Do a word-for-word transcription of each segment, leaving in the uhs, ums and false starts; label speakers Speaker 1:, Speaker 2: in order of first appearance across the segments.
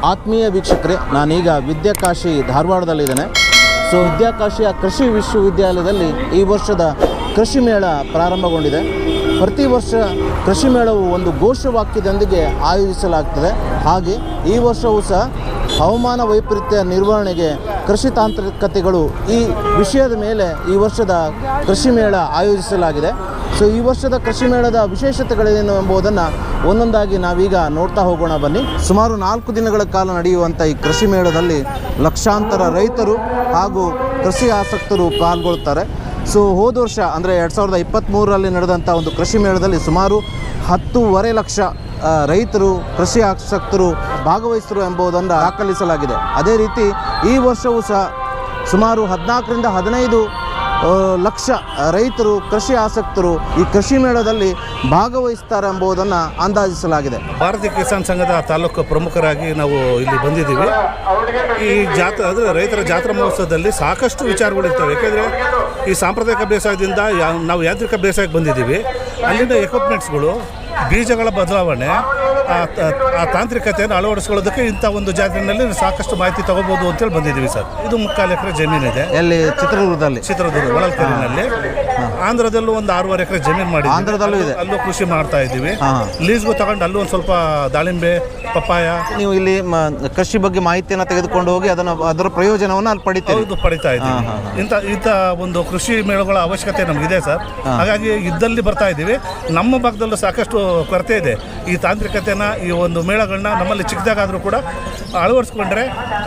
Speaker 1: ಆತ್ಮೀಯ ವೀಕ್ಷಕರೇ, ನಾನೀಗ ವಿದ್ಯಾಕಾಶಿ ಧಾರವಾಡದಲ್ಲಿದ್ದೇನೆ. ಸೊ ವಿದ್ಯಾಕಾಶಿಯ ಕೃಷಿ ವಿಶ್ವವಿದ್ಯಾಲಯದಲ್ಲಿ ಈ ವರ್ಷದ ಕೃಷಿ ಮೇಳ ಪ್ರಾರಂಭಗೊಂಡಿದೆ. ಪ್ರತಿ ವರ್ಷ ಕೃಷಿ ಮೇಳವು ಒಂದು ಘೋಷವಾಕ್ಯದೊಂದಿಗೆ ಆಯೋಜಿಸಲಾಗ್ತದೆ. ಹಾಗೆ ಈ ವರ್ಷವೂ ಸಹ ಹವಾಮಾನ ವೈಪರೀತ್ಯ ನಿರ್ವಹಣೆಗೆ ಕೃಷಿ ತಾಂತ್ರಿಕತೆಗಳು ಈ ವಿಷಯದ ಮೇಲೆ ಈ ವರ್ಷದ ಕೃಷಿ ಮೇಳ ಆಯೋಜಿಸಲಾಗಿದೆ. ಸೊ ಈ ವರ್ಷದ ಕೃಷಿ ಮೇಳದ ವಿಶೇಷತೆಗಳೇನು ಎಂಬುದನ್ನು ಒಂದೊಂದಾಗಿ ನಾವೀಗ ನೋಡ್ತಾ ಹೋಗೋಣ ಬನ್ನಿ. ಸುಮಾರು ನಾಲ್ಕು ದಿನಗಳ ಕಾಲ ನಡೆಯುವಂಥ ಈ ಕೃಷಿ ಮೇಳದಲ್ಲಿ ಲಕ್ಷಾಂತರ ರೈತರು ಹಾಗೂ ಕೃಷಿ ಆಸಕ್ತರು ಪಾಲ್ಗೊಳ್ತಾರೆ. ಸೊ ಹೋದ ವರ್ಷ ಅಂದರೆ ಎರಡು ಸಾವಿರದ ಇಪ್ಪತ್ತ್ಮೂರರಲ್ಲಿ ನಡೆದಂಥ ಒಂದು ಕೃಷಿ ಮೇಳದಲ್ಲಿ ಸುಮಾರು ಹತ್ತೂವರೆ ಲಕ್ಷ ರೈತರು ಕೃಷಿ ಆಸಕ್ತರು ಭಾಗವಹಿಸಿದರು ಎಂಬುದನ್ನು ದಾಖಲಿಸಲಾಗಿದೆ. ಅದೇ ರೀತಿ ಈ ವರ್ಷವೂ ಸಹ ಸುಮಾರು ಹದಿನಾಲ್ಕರಿಂದ ಹದಿನೈದು ಲಕ್ಷ ರೈತರು ಕೃಷಿ ಆಸಕ್ತರು ಈ ಕೃಷಿ ಮೇಳದಲ್ಲಿ ಭಾಗವಹಿಸ್ತಾರೆ ಎಂಬುದನ್ನು ಅಂದಾಜಿಸಲಾಗಿದೆ.
Speaker 2: ಭಾರತೀಯ ಕಿಸಾನ್ ಸಂಘದ ತಾಲೂಕು ಪ್ರಮುಖರಾಗಿ ನಾವು ಇಲ್ಲಿ ಬಂದಿದ್ದೀವಿ. ಈ ಜಾತ್ರೆ ಅಂದರೆ ರೈತರ ಜಾತ್ರಾ ಮಹೋತ್ಸವದಲ್ಲಿ ಸಾಕಷ್ಟು ವಿಚಾರಗಳಿರ್ತವೆ. ಯಾಕೆಂದರೆ ಈ ಸಾಂಪ್ರದಾಯಿಕ ಬೇಸಾಯದಿಂದ ನಾವು ಯಾಂತ್ರಿಕ ಬೇಸಾಯಕ್ಕೆ ಬಂದಿದ್ದೀವಿ. ಅಲ್ಲಿಂದ ಎಕ್ವಿಪ್ಮೆಂಟ್ಸ್ಗಳು, ಬೀಜಗಳ ಬದಲಾವಣೆ, ಆ ತಾಂತ್ರಿಕತೆಯನ್ನು ಅಳವಡಿಸ್ಕೊಳ್ಳೋದಕ್ಕೆ ಇಂಥ ಒಂದು ಜಾತ್ರೆಯಲ್ಲಿ ಸಾಕಷ್ಟು ಮಾಹಿತಿ ತಗೋಬೋದು ಅಂತೇಳಿ ಬಂದಿದ್ದೀವಿ ಸರ್. ಇದು ಮುಕ್ಕಾಲು ಎಕರೆ ಜಮೀನಿದೆ.
Speaker 1: ಎಲ್ಲಿ? ಚಿತ್ರದುರ್ಗದಲ್ಲಿ.
Speaker 2: ಚಿತ್ರದುರ್ಗ ಹೊಳಲ್ಕೆರೆಯಲ್ಲಿ. ಆಂಧ್ರದಲ್ಲೂ ಒಂದು ಆರೂವರೆ ಎಕರೆ ಜಮೀನು ಮಾಡಿ
Speaker 1: ಆಂಧ್ರದಲ್ಲೂ ಇದೆ.
Speaker 2: ಅಲ್ಲೂ ಕೃಷಿ ಮಾಡ್ತಾ ಇದ್ದೀವಿ. ಲೀಸ್ಗೂ ತಗೊಂಡು ಅಲ್ಲೂ ಒಂದು ಸ್ವಲ್ಪ ದಾಳಿಂಬೆ, ಪಪ್ಪಾಯ.
Speaker 1: ನೀವು ಇಲ್ಲಿ ಕೃಷಿ ಬಗ್ಗೆ ಮಾಹಿತಿಯನ್ನು ತೆಗೆದುಕೊಂಡು ಹೋಗಿ ಅದನ್ನು ಅದರ ಪ್ರಯೋಜನವನ್ನು ಅಲ್ಲಿ ಪಡಿತೀವಿ.
Speaker 2: ಹೌದು, ಪಡಿತಾ ಇದ್ದೀವಿ. ಇಂಥ ಇಂಥ ಒಂದು ಕೃಷಿ ಮೇಳಗಳ ಅವಶ್ಯಕತೆ ನಮಗಿದೆ ಸರ್. ಹಾಗಾಗಿ ಇದ್ದಲ್ಲಿ ಬರ್ತಾ ಇದ್ದೀವಿ. ನಮ್ಮ ಭಾಗದಲ್ಲೂ ಸಾಕಷ್ಟು ಕೊರತೆ ಇದೆ. ಈ ತಾಂತ್ರಿಕತೆನ, ಈ ಒಂದು ಮೇಳಗಳನ್ನ ನಮ್ಮಲ್ಲಿ ಚಿಕ್ಕದಾಗಾದರೂ ಕೂಡ ಅಳವಡಿಸ್ಕೊಂಡ್ರೆ,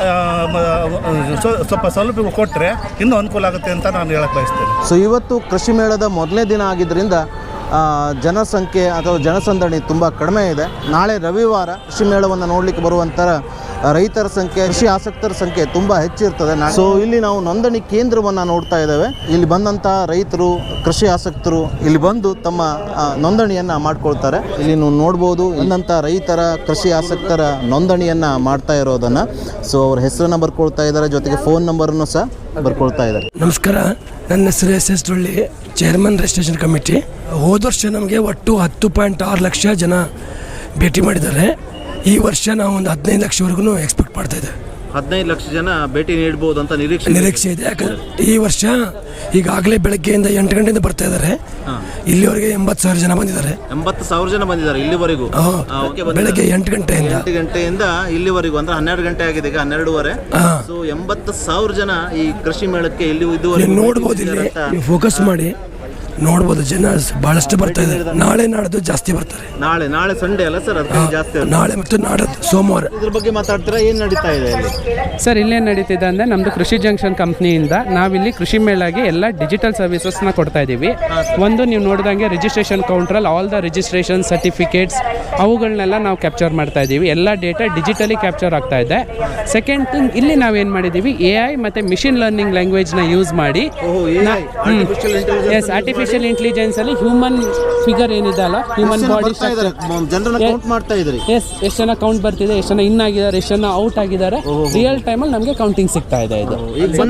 Speaker 2: ಸ್ವಲ್ಪ ಸೌಲಭ್ಯಗಳು ಕೊಟ್ಟರೆ ಇನ್ನೂ ಅನುಕೂಲ ಆಗುತ್ತೆ ಅಂತ ನಾನು ಹೇಳಕ್ಕೆ ಬಯಸ್ತೇನೆ.
Speaker 1: ಸೊ ಇವತ್ತು ಕೃಷಿ ಮೇಳದ ಮೊದಲನೇ ದಿನ ಆಗಿದ್ದರಿಂದ ಜನಸಂಖ್ಯೆ ಅಥವಾ ಜನಸಂದಣಿ ತುಂಬ ಕಡಿಮೆ ಇದೆ. ನಾಳೆ ರವಿವಾರ ಕೃಷಿ ಮೇಳವನ್ನು ನೋಡಲಿಕ್ಕೆ ಬರುವಂಥ ರೈತರ ಸಂಖ್ಯೆ, ಕೃಷಿ ಆಸಕ್ತರ ಸಂಖ್ಯೆ ತುಂಬ ಹೆಚ್ಚಿರ್ತದೆ. ಸೊ ಇಲ್ಲಿ ನಾವು ನೋಂದಣಿ ಕೇಂದ್ರವನ್ನು ನೋಡ್ತಾ ಇದ್ದೇವೆ. ಇಲ್ಲಿ ಬಂದಂಥ ರೈತರು, ಕೃಷಿ ಆಸಕ್ತರು ಇಲ್ಲಿ ಬಂದು ತಮ್ಮ ನೋಂದಣಿಯನ್ನು ಮಾಡ್ಕೊಳ್ತಾರೆ. ಇಲ್ಲಿ ನೀವು ನೋಡ್ಬೋದು ಇನ್ನಂಥ ರೈತರ, ಕೃಷಿ ಆಸಕ್ತರ ನೋಂದಣಿಯನ್ನು ಮಾಡ್ತಾ ಇರೋದನ್ನು. ಸೊ ಅವ್ರ ಹೆಸರನ್ನು ಬರ್ಕೊಳ್ತಾ ಇದ್ದಾರೆ, ಜೊತೆಗೆ ಫೋನ್ ನಂಬರನ್ನು ಸಹ ಬರ್ಕೊಳ್ತಾ ಇದ್ದಾರೆ.
Speaker 3: ನಮಸ್ಕಾರ, ನನ್ನ ಹೆಸರು S S Dolli, chairman registration committee. ಹೋದ ವರ್ಷ ನಮಗೆ ಒಟ್ಟು ಹತ್ತು ಪಾಯಿಂಟ್ ಆರು ಲಕ್ಷ ಜನ ಭೇಟಿ ಮಾಡಿದ್ದಾರೆ. ಈ ವರ್ಷ ನಾವು ಒಂದು ಹದಿನೈದು ಲಕ್ಷವರೆಗೂ ಎಕ್ಸ್ಪೆಕ್ಟ್ ಮಾಡ್ತಾ ಇದ್ದೇವೆ.
Speaker 1: ಹದಿನೈದು ಲಕ್ಷ ಜನ ಭೇಟಿ ನೀಡಬಹುದು ಅಂತ ನಿರೀಕ್ಷೆ
Speaker 3: ನಿರೀಕ್ಷೆ ಇದೆ. ಯಾಕಂದ್ರೆ ಈ ವರ್ಷ ಈಗಾಗಲೇ ಬೆಳಗ್ಗೆಯಿಂದ ಎಂಟು ಗಂಟೆಯಿಂದ ಬರ್ತಾ ಇದ್ದಾರೆ. ಇಲ್ಲಿವರೆಗೆ ಎಂಬತ್ತು ಸಾವಿರ ಜನ ಬಂದಿದ್ದಾರೆ.
Speaker 1: ಎಂಬತ್ತು ಸಾವಿರ ಜನ ಬಂದಿದ್ದಾರೆ ಇಲ್ಲಿವರೆಗೂ.
Speaker 3: ಬೆಳಗ್ಗೆ ಎಂಟು ಗಂಟೆಯಿಂದ
Speaker 1: ಎಂಟು ಗಂಟೆಯಿಂದ ಇಲ್ಲಿವರೆಗೂ ಅಂದ್ರೆ ಹನ್ನೆರಡು ಗಂಟೆ ಆಗಿದೆ, ಈಗ ಹನ್ನೆರಡುವರೆ. ಸೊ ಎಂಬತ್ತು ಸಾವಿರ ಜನ ಈ ಕೃಷಿ ಮೇಳಕ್ಕೆ ಇಲ್ಲಿ ಇದುವರೆಗೂ
Speaker 3: ನೋಡ್ಬೋದು. ಇಲ್ಲಿ ನೀವು ಫೋಕಸ್ ಮಾಡಿ ನೋಡ್ಬೋದು, ಜನ ಬಹಳಷ್ಟು ಬರ್ತಾ ಇದ್ದಾರೆ. ನಾಳೆ ನಾಡ್ದು ಜಾಸ್ತಿ ಬರ್ತಾರೆ.
Speaker 1: ನಾಳೆ ನಾಳೆ ಸಂಡೇ ಅಲ್ಲ ಸರ್, ಅದಕ್ಕೆ ಜಾಸ್ತಿ.
Speaker 3: ನಾಳೆ ಮತ್ತು ನಾಡದ್ದು ಸೋಮವಾರ.
Speaker 1: ಇದ್ರ ಬಗ್ಗೆ ಮಾತಾಡ್ತೀರಾ? ಏನು ನಡೀತಾ ಇದೆ ಇಲ್ಲಿ
Speaker 4: ಸರ್? ಇಲ್ಲೇನು ನಡೀತಿದೆ ಅಂದರೆ, ನಮ್ಮದು ಕೃಷಿ ಜಂಕ್ಷನ್ ಕಂಪ್ನಿಯಿಂದ ನಾವಿಲ್ಲಿ ಕೃಷಿ ಮೇಳಾಗಿ ಎಲ್ಲ ಡಿಜಿಟಲ್ ಸರ್ವಿಸಸ್ನ ಕೊಡ್ತಾ ಇದ್ದೀವಿ. ಒಂದು ನೀವು ನೋಡಿದಂಗೆ ರಿಜಿಸ್ಟ್ರೇಷನ್ ಕೌಂಟ್ರಲ್ಲಿ ಆಲ್ ದ ರಿಜಿಸ್ಟ್ರೇಷನ್ ಸರ್ಟಿಫಿಕೇಟ್ಸ್ ಅವುಗಳನ್ನೆಲ್ಲ ನಾವು ಕ್ಯಾಪ್ಚರ್ ಮಾಡ್ತಾ ಇದ್ದೀವಿ. ಎಲ್ಲ ಡೇಟಾ ಡಿಜಿಟಲಿ ಕ್ಯಾಪ್ಚರ್ ಆಗ್ತಾ ಇದೆ. ಸೆಕೆಂಡ್ ಥಿಂಗ್, ಇಲ್ಲಿ ನಾವೇನು ಮಾಡಿದ್ದೀವಿ, ಎ ಐ ಮತ್ತು ಮಿಷಿನ್ ಲರ್ನಿಂಗ್ ಲ್ಯಾಂಗ್ವೇಜ್ನ ಯೂಸ್ ಮಾಡಿ ಎಸ್ ಆರ್ಟಿಫಿಷಿಯಲ್ ಇಂಟೆಲಿಜೆನ್ಸ್ ಅಲ್ಲಿ ಹ್ಯೂಮನ್ ಫಿಗರ್ ಏನಿದೆ ಅಲ್ಲ, ಹ್ಯೂಮನ್ ಬಾಡಿ ಎಸ್ ಎಷ್ಟು ಜನ ಕೌಂಟ್ ಬರ್ತಿದೆ, ಎಷ್ಟು ಜನ ಇನ್ ಆಗಿದ್ದಾರೆ, ಎಷ್ಟು ಜನ ಔಟ್ ಆಗಿದ್ದಾರೆ, ರಿಯಲ್ ಟೈಮಲ್ಲಿ ನಮಗೆ ಕೌಂಟಿಂಗ್ ಸಿಗ್ತಾ ಇದೆ. ಇದು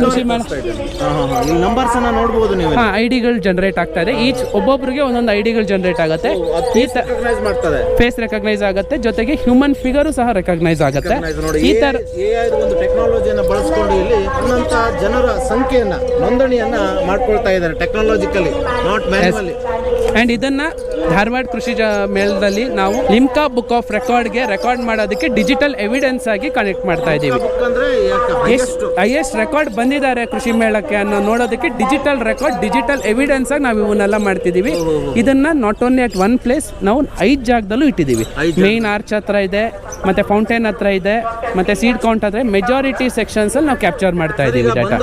Speaker 4: ಹಾಂ ಐಡಿಗಳು ಜನರೇಟ್ ಆಗ್ತಾ ಇದೆ. ಈಚ್ ಒಬ್ಬೊಬ್ಬರಿಗೆ ಒಂದೊಂದು ಐಡಿಗಳು ಜನರೇಟ್ ಆಗುತ್ತೆ. ಫೇಸ್ ರೆಕಗ್ನೈಸ್ ಆಗುತ್ತೆ, ಜೊತೆಗೆ ಹ್ಯೂಮನ್ ಫಿಗರು ಸಹ ರೆಕಗ್ನೈಸ್ ಆಗುತ್ತೆ. ಈ ತರ
Speaker 1: ಟೆಕ್ನಾಲಜಿಯನ್ನು ಬಳಸಿಕೊಂಡು ಇಲ್ಲಿ ಜನರ ಸಂಖ್ಯೆಯನ್ನ ನೋಂದಣಿಯನ್ನ ಮಾಡ್ಕೊಳ್ತಾ ಇದ್ದಾರೆ ಟೆಕ್ನಾಲಜಿಕಲಿ, ನಾಟ್ ಮ್ಯಾನ್ಯುವಲಿ.
Speaker 4: ಆ್ಯಂಡ್ ಇದನ್ನು ಧಾರವಾಡ ಕೃಷಿ ಜ ಮೇಳದಲ್ಲಿ ನಾವು ಲಿಮ್ಕಾ ಬುಕ್ ಆಫ್ ರೆಕಾರ್ಡ್ಗೆ ರೆಕಾರ್ಡ್ ಮಾಡೋದಕ್ಕೆ ಡಿಜಿಟಲ್ ಎವಿಡೆನ್ಸ್ ಆಗಿ ಕನೆಕ್ಟ್ ಮಾಡ್ತಾ ಇದ್ದೀವಿ. ಎಷ್ಟು ಹೈಯೆಸ್ಟ್ ರೆಕಾರ್ಡ್ ಬಂದಿದ್ದಾರೆ ಕೃಷಿ ಮೇಳಕ್ಕೆ ಅನ್ನೋ ನೋಡೋದಕ್ಕೆ ಡಿಜಿಟಲ್ ರೆಕಾರ್ಡ್, ಡಿಜಿಟಲ್ ಎವಿಡೆನ್ಸ್ ಆಗಿ ನಾವು ಇವನ್ನೆಲ್ಲ ಮಾಡ್ತಿದ್ದೀವಿ. ಇದನ್ನು not only at one place, ನಾವು ಐದು ಜಾಗದಲ್ಲೂ ಇಟ್ಟಿದ್ದೀವಿ. ಮೇನ್ ಆರ್ಚ್ ಹತ್ರ ಇದೆ, ಮತ್ತು ಫೌಂಟೇನ್ ಹತ್ರ ಇದೆ, ಮತ್ತು ಸೀಡ್ ಕೌಂಟ್ ಹತ್ರ, ಮೆಜಾರಿಟಿ ಸೆಕ್ಷನ್ಸಲ್ಲಿ ನಾವು ಕ್ಯಾಪ್ಚರ್ ಮಾಡ್ತಾ ಇದ್ದೀವಿ ಡಾಟಾ.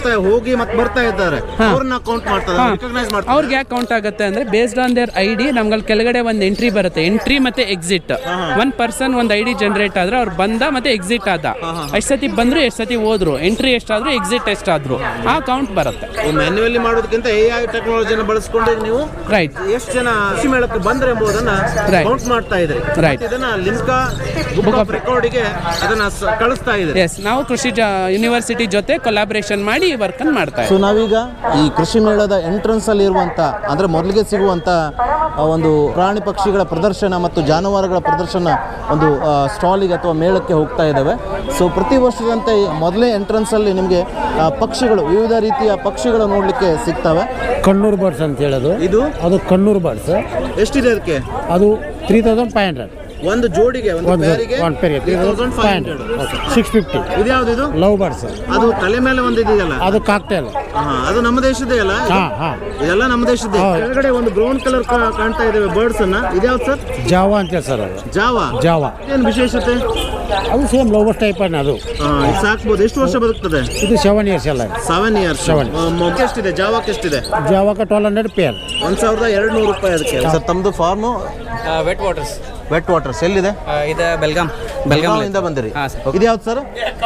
Speaker 4: ಅವ್ರಿಗೆ ಯಾಕೆ ಕೌಂಟ್ ಆಗುತ್ತೆ ಅಂದರೆ, based on their I D ನಮ್ಗಲ್ಲಿ ಕೆಳಗಡೆ ಒಂದು ಎಂಟ್ರಿ ಬರುತ್ತೆ, ಎಂಟ್ರಿ ಮತ್ತೆ ಎಕ್ಸಿಟ್. ಒನ್ ಪರ್ಸನ್ ಒಂದು ಐ ಡಿ ಜನರೇಟ್ ಆದ್ರೆ ಅವ್ರು ಬಂದ ಮತ್ತೆ ಎಕ್ಸಿಟ್ ಆದ, ಎಷ್ಟು ಸತಿ ಬಂದ್ರು, ಎಷ್ಟು ಸತಿ ಹೋದ್ರು, ಎಂಟ್ರಿ ಎಷ್ಟಾದ್ರು, ಎಕ್ಸಿಟ್ ಎಷ್ಟಾದ್ರು, ಆ ಕೌಂಟ್ ಬರುತ್ತೆ.
Speaker 1: ಮ್ಯಾನ್ಯುವಲಿ ಮಾಡೋದಕ್ಕಿಂತ ಎ ಐ ಟೆಕ್ನಾಲಜಿನ ಬಳಸಿಕೊಂಡು ನೀವು
Speaker 4: ರೈಟ್
Speaker 1: ಎಷ್ಟು ಜನ ಕೃಷಿ ಮೇಳಕ್ಕೆ ಬಂದ್ರೆ ಎಂಬುದನ್ನ ಕೌಂಟ್ ಮಾಡ್ತಾ ಇದ್ರಿ.
Speaker 4: ರೈಟ್,
Speaker 1: ಇದನ್ನ ಲಿಮ್ಕಾ ಬುಕ್ ಆಫ್ ರೆಕಾರ್ಡ್ಗೆ ಅದನ್ನ ಕಳಿಸ್ತಾ ಇದ್ರಿ.
Speaker 4: ಎಸ್, ನಾವು ಕೃಷಿ ಯೂನಿವರ್ಸಿಟಿ ಜೊತೆ ಕೊಲಾಬರೇಷನ್ ಮಾಡಿ ಈ ವರ್ಕ್ ಅನ್ನು ಮಾಡ್ತಾ ಇದ್ದೀವಿ.
Speaker 1: ಸೊ ನಾವೀಗ ಈ ಕೃಷಿ ಮೇಳದ ಎಂಟ್ರೆನ್ಸ್ ಅಲ್ಲಿ ಇರುವಂತ ಸಿಗುವಂಥ ಅಂದರೆ ಮೊದಲಿಗೆ ಸಿಗುವಂಥ ಒಂದು ಪ್ರಾಣಿ ಪಕ್ಷಿಗಳ ಪ್ರದರ್ಶನ ಮತ್ತು ಜಾನುವಾರುಗಳ ಪ್ರದರ್ಶನ ಒಂದು ಸ್ಟಾಲಿಗೆ ಅಥವಾ ಮೇಳಕ್ಕೆ ಹೋಗ್ತಾ ಇದ್ದಾವೆ. ಸೊ ಪ್ರತಿ ವರ್ಷದಂತೆ ಮೊದಲೇ ಎಂಟ್ರೆನ್ಸಲ್ಲಿ ನಿಮಗೆ ಪಕ್ಷಿಗಳು ವಿವಿಧ ರೀತಿಯ ಪಕ್ಷಿಗಳು ನೋಡಲಿಕ್ಕೆ ಸಿಗ್ತವೆ.
Speaker 5: ಕಣ್ಣೂರು ಬರ್ಡ್ಸ್ ಅಂತ ಹೇಳೋದು
Speaker 1: ಇದು
Speaker 5: ಅದು ಕಣ್ಣೂರು ಬರ್ಡ್ಸ್.
Speaker 1: ಎಷ್ಟಿದೆ ಅದಕ್ಕೆ?
Speaker 5: ಅದು ತ್ರೀ ತೌಸಂಡ್ ಫೈವ್ ಹಂಡ್ರೆಡ್
Speaker 1: ಒಂದು ಜೋಡಿಗೆ, ಒಂದು
Speaker 5: ಒಂದು
Speaker 1: ಪೇರಿಗೆ
Speaker 5: ಒಂದು ಪೇರಿಗೆ three thousand five hundred six fifty.
Speaker 1: ಇದು ಯಾವುದು? ಇದು
Speaker 5: ಲವ್ ಬರ್ಡ್ಸ್.
Speaker 1: ಅದು ತಲೆ ಮೇಲೆ ಒಂದು ಇದೆಯಲ್ಲ,
Speaker 5: ಅದು ಕಾಕ್ಟೇಲ್.
Speaker 1: ಹಾಂ, ಅದು ನಮ್ಮ ದೇಶದೇ ಅಲ್ಲ?
Speaker 5: ಹಾಂ ಹಾಂ
Speaker 1: ಇದೆಲ್ಲ ನಮ್ಮ ದೇಶದ್ದೇ. ಕೆಳಗಡೆ ಒಂದು ಬ್ರೌನ್ ಕಲರ್ ಕಾಣ್ತಾ ಇದ್ದಾವೆ ಬರ್ಡ್ಸ್ ಅನ್ನ. ಇದ್ಯಾವ್ದು ಸರ್?
Speaker 5: ಜಾವಾ ಅಂತ ಸರ್ ಅದು.
Speaker 1: ಜಾವಾ.
Speaker 5: ಜಾವಾ
Speaker 1: ಏನು ವಿಶೇಷತೆ?
Speaker 5: ಅದು ಸೇಮ್ ಲವ್ ಬರ್ಡ್ಸ್ ಟೈಪ್ ಅನ್ನ ಅದು.
Speaker 1: ಹಾಂ, ಇದು ಸಾಕ್ಬೋದು. ಎಷ್ಟು ವರ್ಷ ಬದುಕ್ತದೆ?
Speaker 5: ಇದು ಸೆವೆನ್ ಇಯರ್ಸ್ ಎಲ್ಲ.
Speaker 1: Seven years.
Speaker 5: Seven.
Speaker 1: ಎಷ್ಟಿದೆ ಜಾವಾಕ್ಕೆ? ಎಷ್ಟಿದೆ?
Speaker 5: ಜಾವಾಕ ಟ್ವೆಲ್ ಹಂಡ್ರೆಡ್ ಪೇರ್.
Speaker 1: ಒಂದು ಸಾವಿರದ ಎರಡು ನೂರು ರೂಪಾಯಿ ಅದಕ್ಕೆ. ಸರ್ ತಮ್ಮದು farm
Speaker 6: wet waters.
Speaker 1: Wet waters ಎಲ್ಲಿದೆ?
Speaker 6: ಇದು ಬೆಲ್ಗಾಮ್.
Speaker 1: ಬೆಲ್ಗಾವಿಂದ ಬಂದಿರಿ?
Speaker 6: ಹಾಂ ಸರ್.
Speaker 1: ಇದು ಯಾವ್ದು ಸರ್?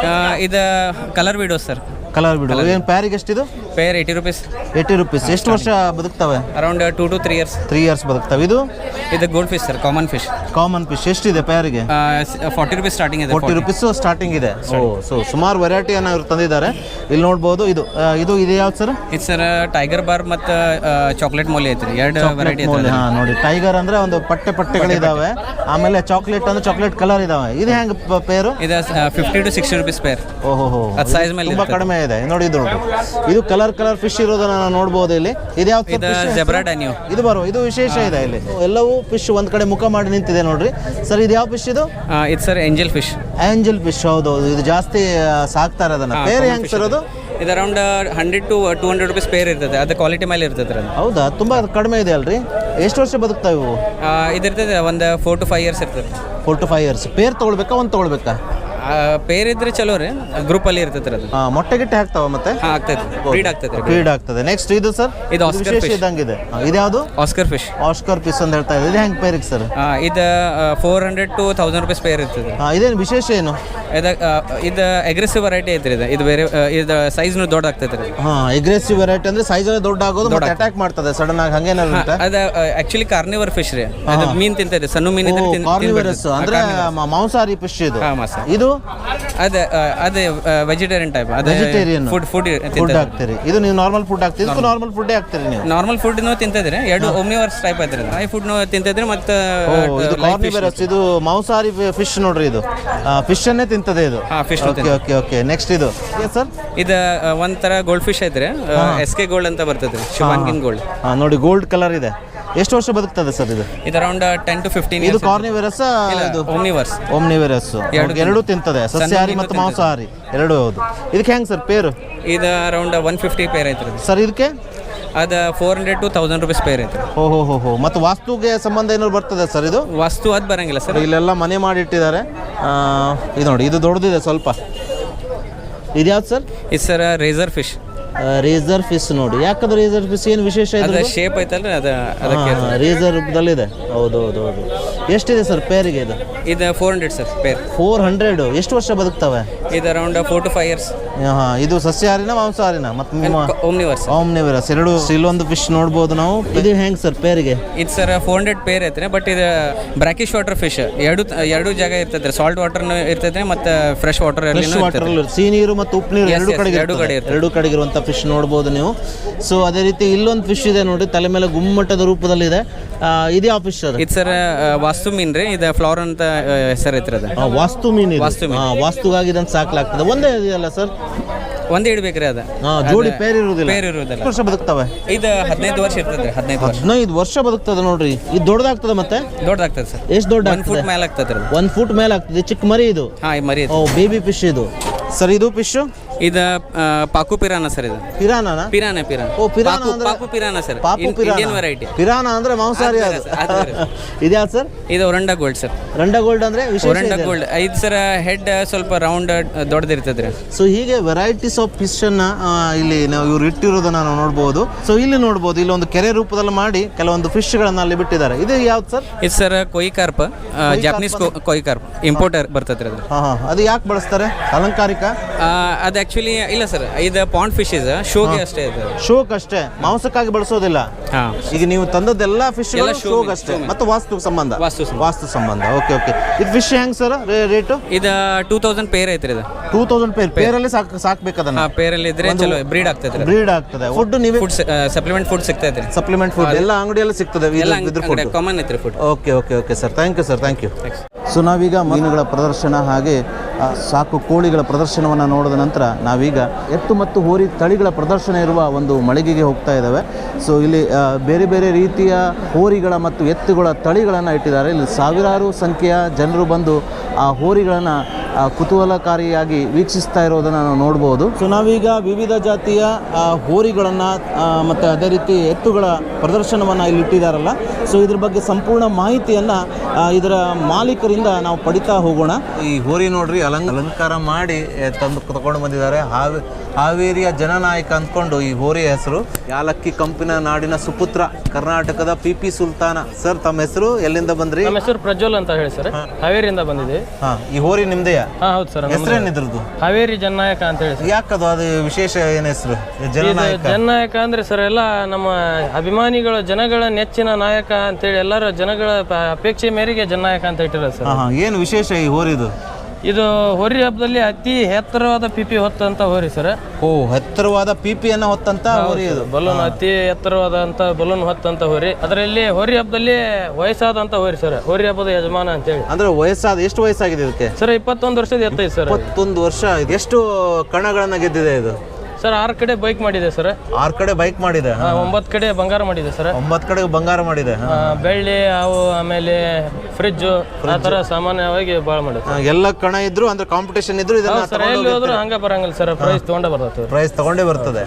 Speaker 6: ಇದು ಕಲರ್ ವಿಡೋಸ್ ಸರ್.
Speaker 1: ಕಲರ್ ಬಿಡು. ಏನು ಪ್ಯಾರಿಗೆ ಎಷ್ಟಿದು?
Speaker 6: Pair eighty rupees.
Speaker 1: Eighty rupees. ಎಷ್ಟು ವರ್ಷ ಬದುಕ್ತವೆ?
Speaker 6: Around two to three years.
Speaker 1: Three years ಬದುಕ್ತವೆ. ಇದು
Speaker 6: ಇದು gold fish sir, common fish.
Speaker 1: Common fish ಎಷ್ಟಿದೆ ಪ್ಯಾರಿಗೆ?
Speaker 6: ಫಾರ್ಟಿ ರುಪೀಸ್ ಸ್ಟಾರ್ಟಿಂಗ್ ಇದೆ.
Speaker 1: ಫೋರ್ಟಿ ರುಪೀಸ್ ಸ್ಟಾರ್ಟಿಂಗ್ ಇದೆ. ಓ, ಸೊ ಸುಮಾರು ವೆರೈಟಿಯನ್ನು ಇವ್ರು ತಂದಿದ್ದಾರೆ. ಇಲ್ಲಿ ನೋಡ್ಬೋದು. ಇದು ಆ, ಇದು ಇದು ಯಾವ್ದು ಸರ್?
Speaker 6: ಇದು ಸರ್ ಟೈಗರ್ ಬಾರ್ ಮತ್ತು ಚಾಕ್ಲೇಟ್ ಮೋಲಿ ಐತ್ರಿ, ಎರಡು ವೆರೈಟಿ ಐತೆ.
Speaker 1: ಹಾಂ, ನೋಡಿ ಟೈಗರ್ ಅಂದರೆ ಒಂದು ಪಟ್ಟೆ ಪಟ್ಟೆಗಳಿದ್ದಾವೆ. ಆಮೇಲೆ ಚಾಕ್ಲೇಟ್ ಅಂದ್ರೆ ಚಾಕ್ಲೇಟ್ ಕಲರ್ ಇದಾವೆ. ಇದು ಹೆಂಗೆ ಪೇರು?
Speaker 6: ಇದು fifty to sixty rupees pair.
Speaker 1: ಓಹೋ ಹೋ,
Speaker 6: ಅದು ಸೈಜ್ ಮೇಲೆ
Speaker 1: ತುಂಬಾ ಕಡಿಮೆ ಇದೆ. ನೋಡಿ ಇದು ನೋಡಿ, ಇದು ಕಲರ್ ಕಲರ್ ಫಿಶ್ ಇರೋದನ್ನ ನಾವು ನೋಡ್ಬೋದು ಇಲ್ಲಿ. ಇದು ಯಾವ್ದು?
Speaker 6: ಇದು ಜೆಬ್ರಾ ಡ್ಯಾನ್ಯೂ.
Speaker 1: ಇದು ಬರೋ ಇದು ವಿಶೇಷ ಇದೆ ಇಲ್ಲಿ. ಎಲ್ಲವೂ ಫಿಶ್ ಒಂದ್ ಕಡೆ ಮುಖ ಮಾಡಿ ನಿಂತಿದೆ ನೋಡ್ರಿ. ಸರ್ ಇದು ಯಾವ ಫಿಶ್ ಇದು?
Speaker 6: ಇದು sir angel fish.
Speaker 1: Angel fish. ಹೌದು, ಇದು ಜಾಸ್ತಿ ಸಾಕ್ತಾರೆ ಅದನ್ನ. ಬೇರೆ ಹೆಂಗ್ ಸರ್ ಅದು?
Speaker 6: ಇದು around hundred to two hundred rupees pair ಇರ್ತದೆ. ಅದು ಕ್ವಾಲಿಟಿ ಮೇಲೆ ಇರ್ತದೆ ಅದು.
Speaker 1: ಹೌದಾ, ತುಂಬಾ ಕಡಿಮೆ ಇದೆ ಅಲ್ರಿ. ಎಷ್ಟು ವರ್ಷ ಬದುಕ್ತಾವೆ ಇವು?
Speaker 6: ಇದಿರ್ತದೆ ಒಂದು ಫೋರ್ ಟು ಫೈವ್ ಇಯರ್ಸ್ ಇರ್ತದೆ.
Speaker 1: Four to five years. Pair ತೊಗೊಳ್ಬೇಕಾ ಒಂದು ತೊಗೊಳ್ಬೇಕಾ?
Speaker 6: ಪೇರ್ ಇದ್ರೆ ಚಲೋ ರೀ, ಗ್ರೂಪಲ್ಲಿ ಇರ್ತದೆ ಅದು.
Speaker 1: ಹಾಂ, ಮೊಟ್ಟೆ ಗಿಟ್ಟೆ ಹಾಕ್ತಾವ ಮತ್ತೆ?
Speaker 6: ಹಾಂ, ಆಗ್ತೈತೆ. ಬ್ರೀಡ್ ಆಗ್ತದೆ.
Speaker 1: ಬ್ರೀಡ್ ಆಗ್ತದೆ. ನೆಕ್ಸ್ಟ್ ಇದು ಸರ್?
Speaker 6: ಇದು ಆಸ್ಕರ್
Speaker 1: ವಿಶೇಷ
Speaker 6: ಫಿಶ್
Speaker 1: ಇದ್ದಂಗಿದೆ. ಇದ್ಯಾವುದು?
Speaker 6: Oscar fish.
Speaker 1: ಆಸ್ಕರ್ ಫಿಶ್ ಅಂತ ಹೇಳ್ತಾ ಇದೆ. ಇದು ಹೆಂಗೆ ಪೇರಿಗೆ ಸರ್?
Speaker 6: ಇದು four hundred to thousand rupees pair ಇರ್ತದೆ.
Speaker 1: ಹಾಂ, ಇದೇನು ವಿಶೇಷ ಏನು?
Speaker 6: ಇದು ಇದು ಅಗ್ರೆಸಿವ್ ವೆರೈಟಿ ಐತ್ರಿ. ಇದು ಇದು ಬೇರೆ ಇದು ಸೈಜ್ನು ದೊಡ್ಡ ಆಗ್ತೈತೆ ರೀ.
Speaker 1: ಹಾಂ, ಅಗ್ರೆಸಿವ್ ವೆರೈಟಿ ಅಂದ್ರೆ ಸೈಜ್ ಅಲ್ಲಿ ದೊಡ್ಡ ಆಗೋದು ಮತ್ತೆ ಅಟ್ಯಾಕ್ ಮಾಡ್ತದೆ ಸಡನ್ ಆಗಿ. ಹಂಗೇನಾದ್ರು ಉಂಟಾ?
Speaker 6: ಅದು ಆಕ್ಚುಲಿ ಕಾರ್ನಿವರ್ ಫಿಶ್ ರೀ. ಅದು ಮೀನು ತಿಂತದೆ, ಸಣ್ಣ ಮೀನು ಇದ್ರೆ ತಿನ್-
Speaker 1: ಕಾರ್ನಿವರಸ್
Speaker 6: ತಿನ್ಬಿಡ್ತದೆ.
Speaker 1: ಅಂದ್ರೆ ಮ- ಮಾಂಸಾಹಾರಿ ಫಿಶ್ ಇದು.
Speaker 6: ಹಾಂ, ಮಾಸ.
Speaker 1: ಇದು
Speaker 6: ಅದು ಅದೇ ವೆಜಿಟೇರಿಯನ್ ಟೈಪ್. ಅದು
Speaker 1: ವೆಜಿಟೇರಿಯನ್
Speaker 6: ಫುಡ್ ಫುಡ್
Speaker 1: ಫುಡ್ ಹಾಕ್ತೀರಿ. ಇದು ನೀವು ನಾರ್ಮಲ್ ಫುಡ್ ಹಾಕ್ತೀರಿ? ಇದಕ್ಕೂ ನಾರ್ಮಲ್ ಫುಡ್ಡೇ ಹಾಕ್ತೀರಿ ನೀವು?
Speaker 6: ನಾರ್ಮಲ್ ಫುಡ್ನು ತಿಂತಿದ್ರೆ ಎರಡು ಒಮ್ನಿವರ್ಸ್ ಟೈಪ್ ಐತ್ರಿ. ಡ್ರೈ ಫುಡ್ನು ತಿಂತಿದ್ರೆ ಮತ್ತೆ
Speaker 1: ಓ, ಇದು ಕಾರ್ನಿವರಸ್. ಇದು ಮಾಂಸಾಹಾರಿ ಫಿಶ್ ನೋಡ್ರಿ. ಇದು ಫಿಶ್ ಅನ್ನೇ ತಿಂತದೆ ಇದು.
Speaker 6: ಹಾಂ, fish.
Speaker 1: Okay okay okay next ಇದು ಸರ್?
Speaker 6: ಇದು ಒಂಥರ ಗೋಲ್ಡ್ ಫಿಶ್ ಐತ್ರಿ. ಎಸ್ ಕೆ ಗೋಲ್ಡ್ ಅಂತ ಬರ್ತದೆ, ಶಿವಾನ್ಗಿನ್ ಗೋಲ್ಡ್.
Speaker 1: ಹಾಂ, ನೋಡಿ ಗೋಲ್ಡ್ ಕಲರ್ ಇದೆ. ಎಷ್ಟು ವರ್ಷ ಬದುಕ್ತದೆ ಸರ್ ಇದು?
Speaker 6: ಇದು ಅರೌಂಡ್ ಟೆನ್ ಟು ಫಿಫ್ಟೀನ್.
Speaker 1: ಇದು ಕಾರ್ನಿವರಸ್. ಇದು
Speaker 6: ಓಮ್ನಿವರ್ಸ್.
Speaker 1: ಓಮ್ನಿವರಸ್. ಎರಡು ತಿಂತದೆ, ಸಸ್ಯಾಹಾರಿ ಮತ್ತು ಮಾಂಸಾಹಾರಿ ಎರಡು. ಹೌದು. ಇದಕ್ಕೆ ಹೆಂಗೆ ಸರ್ ಪೇರು?
Speaker 6: ಇದು ಅರೌಂಡ್ ಒನ್ ಫಿಫ್ಟಿ ಪೇರ್ ಐತ್ರಿ
Speaker 1: ಸರ್. ಇದಕ್ಕೆ
Speaker 6: ಅದು four hundred to thousand rupees pair ಐತ್ರಿ.
Speaker 1: ಓ ಹೋ ಹೋ ಹೋ. ಮತ್ತು ವಾಸ್ತುಗೆ ಸಂಬಂಧ ಏನಾದ್ರು ಬರ್ತದೆ ಸರ್ ಇದು?
Speaker 6: ವಸ್ತು ಅದು ಬರಂಗಿಲ್ಲ ಸರ್.
Speaker 1: ಇಲ್ಲೆಲ್ಲ ಮನೆ ಮಾಡಿಟ್ಟಿದ್ದಾರೆ. ಇದು ನೋಡಿ, ಇದು ದೊಡ್ಡದಿದೆ ಸ್ವಲ್ಪ. ಇದ್ಯಾವ್ದು ಸರ್?
Speaker 6: ಇದು sir racer fish.
Speaker 1: Racer fish. ನೋಡಿ, ಯಾಕಂದ್ರೆ ರೇಸರ್ ಫಿಶ್ ಏನು ವಿಶೇಷ ಇದೆ?
Speaker 6: ಅದು ಶೇಪ್ ಐತಲ್ರಿ, ಅದು ಅದಕ್ಕೆ
Speaker 1: ರೇಸರ್ ರೂಪದಲ್ಲಿದೆ. ಹೌದು ಹೌದು ಹೌದು. ಎಷ್ಟಿದೆ ಸರ್ ಪೇರಿಗೆ ಇದು?
Speaker 6: ಇದು four hundred sir pair.
Speaker 1: Four hundred. ಎಷ್ಟು ವರ್ಷ ಬದುಕ್ತವೆ?
Speaker 6: ಇದು around four to five years.
Speaker 1: ಹಾಂ, ಇದು ಸಸ್ಯಾಹಾರಿನ ಮಾಂಸಾಹಾರಿನ? ಮತ್ತು
Speaker 6: ಓಮ್ನಿವರ್ಸ್.
Speaker 1: ಓಮ್ನಿವರಸ್ ಎರಡು. ಇಲ್ಲೊಂದು ಫಿಶ್ ನೋಡ್ಬೋದು ನಾವು. ಇದು ಹೆಂಗೆ ಸರ್ ಪೇರಿಗೆ?
Speaker 6: ಇದು ಸರ್ ಫೋರ್ ಹಂಡ್ರೆಡ್ ಪೇರ್ ಐತ್ರಿ. ಬಟ್ ಇದು ಬ್ರಾಕಿಶ್ ವಾಟರ್ ಫಿಶ್. ಎರಡು ಎರಡು ಜಾಗ ಇರ್ತೈತೆ. ಸಾಲ್ಟ್ ವಾಟರ್ನು ಇರ್ತೈತೆ ಮತ್ತು ಫ್ರೆಶ್ ವಾಟರ್.
Speaker 1: ಫ್ರೆಶ್ ವಾಟರ್, ಸಿಹಿ ನೀರು ಮತ್ತು ಉಪ್ಪು ನೀರು ಎರಡು ಕಡೆಗೆ
Speaker 6: ಎರಡು ಕಡೆ ಇರ್ತದೆ.
Speaker 1: ಎರಡು ಕಡೆಗೆ ಇರುವಂಥ ಫಿಶ್ ನೋಡ್ಬೋದು ನೀವು. ಸೊ ಅದೇ ರೀತಿ ಇಲ್ಲೊಂದು ಫಿಶ್ ಇದೆ ನೋಡಿ, ತಲೆ ಮೇಲೆ ಗುಮ್ಮಟದ ರೂಪದಲ್ಲಿದೆ. ಇದು ಯಾವ ಫಿಶ್ ಅದು?
Speaker 6: ಇದು ಸರ್ ವಾಸ್ತು ಮೀನ್ ರೀ. ಇದು ಫ್ಲವರ್ ಅಂತ ಹೆಸರು ಐತ್ರಿ. ಅದು
Speaker 1: ವಾಸ್ತು ಮೀನು.
Speaker 6: ವಾಸ್ತು ಮೀನು.
Speaker 1: ವಾಸ್ತುಗಾಗಿ ಇದನ್ನು ಸಾಕ್ಲಾಗ್ತದೆ. ಒಂದೇ ಇದೆಯಲ್ಲ ಸರ್?
Speaker 6: ಒಂದೇ ಇಡ್ಬೇಕ್ರಿ ಅದು.
Speaker 1: ಜೋಡಿ ಪೇರ್ ಇರುವುದಿಲ್ಲ?
Speaker 6: ಪೇರ್ ಇರುವುದಿಲ್ಲ.
Speaker 1: ವರ್ಷ ಬದುಕ್ತವೆ?
Speaker 6: ಇದು ಹದಿನೈದು ವರ್ಷ ಇರ್ತದೆ. ಹದಿನೈದು ವರ್ಷ
Speaker 1: ಹದಿನೈದು ವರ್ಷ ಬದುಕ್ತದೆ ನೋಡ್ರಿ. ಇದು ದೊಡ್ಡದಾಗ್ತದೆ ಮತ್ತೆ?
Speaker 6: ದೊಡ್ಡದಾಗ್ತದೆ ಸರ್.
Speaker 1: ಎಷ್ಟು ದೊಡ್ಡ?
Speaker 6: ಒನ್ ಫುಟ್ ಮೇಲೆ ಆಗ್ತದೆ ರೀ.
Speaker 1: ಒನ್ ಫುಟ್ ಮೇಲೆ ಆಗ್ತದೆ. ಚಿಕ್ಕ ಮರಿ ಇದು?
Speaker 6: ಹಾಂ, ಈ ಮರಿ.
Speaker 1: ಓ, ಬೇಬಿ ಫಿಶ್ ಇದು ಸರ್. ಇದು ಫಿಶ್
Speaker 6: ಇದು ಪಾಕು ಪಿರಾನ ಸರ್. ಇದು
Speaker 1: ಪಿರಾನಾ?
Speaker 6: ಪಿರಾನ ಪಿರಾನ.
Speaker 1: ಓ, ಪಿರಾನ ಅಂದ್ರೆ
Speaker 6: ಪಾಕು ಪಿರಾನ ಸರ್.
Speaker 1: ಪಾಪು ಪಿರಾನ.
Speaker 6: Indian variety.
Speaker 1: ಪಿರಾನ ಅಂದ್ರೆ ಮಾಂಸಾಹಾರಿ ಅದು. ಇದ್ಯಾವ್ದು ಸರ್?
Speaker 6: ಇದು oranda gold sir.
Speaker 1: Oranda gold ಅಂದ್ರೆ ವಿಶೇಷ
Speaker 6: ಒರಂಡಾ ಗೋಲ್ಡ್. ಇದು ಸರ್ ಹೆಡ್ ಸ್ವಲ್ಪ ರೌಂಡ್ ದೊಡ್ಡದಿರ್ತದೆ ರೀ.
Speaker 1: ಸೊ ಹೀಗೆ ವೆರೈಟೀಸ್ ಆಫ್ ಫಿಶ್ ಅನ್ನ ಆ, ಇಲ್ಲಿ ನಾವು ಇವ್ರು ಇಟ್ಟಿರೋದನ್ನ ನಾವು ನೋಡ್ಬೋದು. ಸೊ ಇಲ್ಲಿ ನೋಡ್ಬೋದು, ಇಲ್ಲಿ ಒಂದು ಕೆರೆ ರೂಪದಲ್ಲಿ ಮಾಡಿ ಕೆಲವೊಂದು ಫಿಶ್ ಗಳನ್ನ ಅಲ್ಲಿ ಬಿಟ್ಟಿದ್ದಾರೆ. ಇದು ಯಾವ್ದು ಸರ್?
Speaker 6: ಇದು sir koi carp, Japanese koi carp. Importer ಬರ್ತದೆ ಅದು.
Speaker 1: ಹಾಂ ಹಾಂ. ಅದು ಯಾಕೆ ಬಳಸ್ತಾರೆ? ಅಲಂಕಾರಿಕ?
Speaker 6: ಅದು ಆ್ಯಕ್ಚುಲಿ ಇಲ್ಲ ಸರ್, ಇದು ಪಾಂಡ್ ಫಿಶ್ ಇದೆ, ಶೋಗೆ ಅಷ್ಟೇ ಇದೆ.
Speaker 1: ಶೋಕ್ ಅಷ್ಟೇ, ಮಾಂಸಕ್ಕಾಗಿ ಬಳಸೋದಿಲ್ಲ.
Speaker 6: ಹಾಂ,
Speaker 1: ಈಗ ನೀವು ತಂದದ್ದೆಲ್ಲ ಫಿಶ್
Speaker 6: ಎಲ್ಲ show
Speaker 1: ಶೋಗ್
Speaker 6: ಮೇಲೆ,
Speaker 1: ಅಷ್ಟೇ
Speaker 6: show ಮೇಲೆ.
Speaker 1: ಮತ್ತು ವಾಸ್ತು ಸಂಬಂಧ
Speaker 6: ವಾಸ್ತು ಸಂಬಂಧ.
Speaker 1: ವಾಸ್ತು ಸಂಬಂಧ ಓಕೆ ಓಕೆ. ಇದು ಫಿಶ್ ಹೆಂಗ್ ಸರ್ ರೇಟು?
Speaker 6: ಇದು ಟೂ ತೌಸಂಡ್ ಪೇರ್ ಐತ್ರಿ ಇದು.
Speaker 1: ಟೂ ತೌಸಂಡ್ ಪೇರ್ ಪೇರಲ್ಲಿ ಸಾಕ್ ಸಾಕ್ಬೇಕು ಅದನ್ನ.
Speaker 6: ಹಾಂ, ಪೇರಲ್ಲಿ ಇದ್ರೆ ಚಲೋ ಬ್ರೀಡ್ ಆಗ್ತೈತೆ.
Speaker 1: ಬ್ರೀಡ್ ಆಗ್ತದೆ. ಫುಡ್ ನೀವೇ
Speaker 6: ಫುಡ್ ಸಪ್ಲಿಮೆಂಟ್ ಫುಡ್ ಸಿಗ್ತೈತೆ ರೀ.
Speaker 1: ಸಪ್ಲಿಮೆಂಟ್ ಫುಡ್ ಎಲ್ಲ ಅಂಗಡಿಯಲ್ಲಿ ಸಿಗ್ತದೆ
Speaker 6: ಎಲ್ಲ
Speaker 1: ಇದ್ರ ಫುಡ್.
Speaker 6: ಕಾಮನ್ ಐತ್ರಿ food.
Speaker 1: Okay okay okay sir, thank you sir, thank you. So ನಾವೀಗ ಮೀನುಗಳ ಪ್ರದರ್ಶನ ಹಾಗೆ ಆ, ಸಾಕು ಕೋಳಿಗಳ ಪ್ರದರ್ಶನವನ್ನು ನೋಡಿದ ನಂತರ ನಾವೀಗ ಎತ್ತು ಮತ್ತು ಹೋರಿ ತಳಿಗಳ ಪ್ರದರ್ಶನ ಇರುವ ಒಂದು ಮಳಿಗೆಗೆ ಹೋಗ್ತಾ ಇದ್ದಾವೆ. ಸೊ ಇಲ್ಲಿ ಆ, ಬೇರೆ ಬೇರೆ ರೀತಿಯ ಹೋರಿಗಳ ಮತ್ತು ಎತ್ತುಗಳ ತಳಿಗಳನ್ನು ಇಟ್ಟಿದ್ದಾರೆ. ಇಲ್ಲಿ ಸಾವಿರಾರು ಸಂಖ್ಯೆಯ ಜನರು ಬಂದು ಆ ಹೋರಿಗಳನ್ನು ಕುತೂಹಲಕಾರಿಯಾಗಿ ವೀಕ್ಷಿಸ್ತಾ ಇರೋದನ್ನು ನಾವು ನೋಡ್ಬೋದು. ಸೊ ನಾವೀಗ ವಿವಿಧ ಜಾತಿಯ ಆ, ಹೋರಿಗಳನ್ನು ಮತ್ತು ಅದೇ ರೀತಿ ಎತ್ತುಗಳ ಪ್ರದರ್ಶನವನ್ನು ಇಲ್ಲಿ ಇಟ್ಟಿದ್ದಾರಲ್ಲ, ಸೊ ಇದ್ರ ಬಗ್ಗೆ ಸಂಪೂರ್ಣ ಮಾಹಿತಿಯನ್ನು ಇದರ ಮಾಲೀಕರಿಂದ ನಾವು ಪಡಿತಾ ಹೋಗೋಣ. ಈ ಹೋರಿ ನೋಡ್ರಿ ಅಲಂಕ ಅಲಂಕಾರ ಮಾಡಿ ಎ, ತಂದು ತಗೊಂಡು ಬಂದಿದ್ದಾರೆ. ಹಾವೇ ಹಾವೇರಿಯ ಜನನಾಯಕ ಅಂದ್ಕೊಂಡು ಈ ಹೋರಿ ಹೆಸರು. ಯಾಲಕ್ಕಿ ಕಂಪಿನ ನಾಡಿನ ಸುಪುತ್ರ, ಕರ್ನಾಟಕದ ಪಿ ಪಿ ಸುಲ್ತಾನ. ಸರ್ ತಮ್ಮ ಹೆಸರು, ಎಲ್ಲಿಂದ ಬಂದ್ರಿ?
Speaker 7: ನಮ್ಮ ಹೆಸರು ಪ್ರಜ್ವಲ್ ಅಂತ ಹೇಳಿ ಸರ್, ಹಾವೇರಿಯಿಂದ ಬಂದಿದೆ.
Speaker 1: ಹಾ, ಈ ಹೋರಿ ನಿಮ್ದೆಯಾ?
Speaker 7: ಹಾ ಹೌದು ಸರ್,
Speaker 1: ಹೆಸರೇನಿದ್ರದ್ದು?
Speaker 7: ಹಾವೇರಿ ಜನನಾಯಕ ಅಂತ ಹೇಳಿ ಸರ್.
Speaker 1: ಯಾಕದು ಅದು ವಿಶೇಷ ಏನ್ ಹೆಸರು ಜನನಾಯಕ?
Speaker 7: ಜನನಾಯಕ ಅಂದ್ರೆ ಸರ್ ಎಲ್ಲ ನಮ್ಮ ಅಭಿಮಾನಿಗಳು, ಜನಗಳ ನೆಚ್ಚಿನ ನಾಯಕ ಅಂತೇಳಿ ಎಲ್ಲರ ಜನಗಳ ಪ- ಅಪೇಕ್ಷೆ ಮೇರೆಗೆ ಜನನಾಯಕ ಅಂತ ಇಟ್ಟಿರೋದು ಸರ್.
Speaker 1: ಹಾ ಹಾ, ಏನು ವಿಶೇಷ ಈ ಹೋರಿದು?
Speaker 7: ಇದು ಹೋರಿ ಹಬ್ಬದಲ್ಲಿ ಅತಿ ಎತ್ತರವಾದ ಪಿಪಿ ಹೊತ್ತಂತ ಹೋರಿ ಸರ್.
Speaker 1: ಓ, ಎತ್ತರವಾದ ಪಿಪಿಯನ್ನ ಹೊತ್ತಂತ ಹೋರಿ ಇದು.
Speaker 7: ಬಲೂನ್ ಅತಿ ಎತ್ತರವಾದಂತ ಬಲೂನ್ ಹೊತ್ತಂತ ಹೋರಿ. ಅದರಲ್ಲಿ ಹೋರಿ ಹಬ್ಬದಲ್ಲಿ ವಯಸ್ಸಾದಂತ ಹೋರಿ ಸರ್, ಹೋರಿ ಹಬ್ಬದ ಯಜಮಾನ ಅಂತೇಳಿ.
Speaker 1: ಅಂದ್ರೆ ವಯಸ್ಸಾದ, ಎಷ್ಟು ವಯಸ್ಸಾಗಿದೆ ಇದಕ್ಕೆ?
Speaker 7: ಸರ್ ಇಪ್ಪತ್ತೊಂದು ವರ್ಷದ ಎತ್ತೈತೆ ಸರ್.
Speaker 1: ಇಪ್ಪತ್ತೊಂದು ವರ್ಷ. ಎಷ್ಟು ಕಣಗಳನ್ನ ಗೆದ್ದಿದೆ ಇದು?
Speaker 7: ಸರ್ ಆರು ಕಡೆ ಬೈಕ್ ಮಾಡಿದೆ ಸರ್.
Speaker 1: ಆರು ಕಡೆ ಬೈಕ್ ಮಾಡಿದೆ.
Speaker 7: ಒಂಬತ್ತು ಕಡೆ ಬಂಗಾರ ಮಾಡಿದೆ ಸರ್.
Speaker 1: ಒಂಬತ್ತು ಕಡೆ ಬಂಗಾರ ಮಾಡಿದೆ.
Speaker 7: ಆ, ಬೆಳ್ಳಿ, ಅವು ಆಮೇಲೆ ಫ್ರಿಜ್ಜು, ಆ ಥರ ಸಾಮಾನ್ಯವಾಗಿ ಭಾಳ ಮಾಡಿದೆ.
Speaker 1: ಆ, ಎಲ್ಲ ಕಣ ಇದ್ರು ಅಂದ್ರೆ ಕಾಂಪಿಟೇಷನ್ ಇದ್ರು ಇದನ್ನ
Speaker 7: ಸರ್ ಎಲ್ಲಿ ಹೋದ್ರು ಹಂಗ ಬರಂಗಿಲ್ಲ ಸರ್, ಪ್ರೈಸ್ ತೊಗೊಂಡೇ ಬರ್ತದೆ.
Speaker 1: ಪ್ರೈಸ್ ತಗೊಂಡೇ ಬರ್ತದೆ.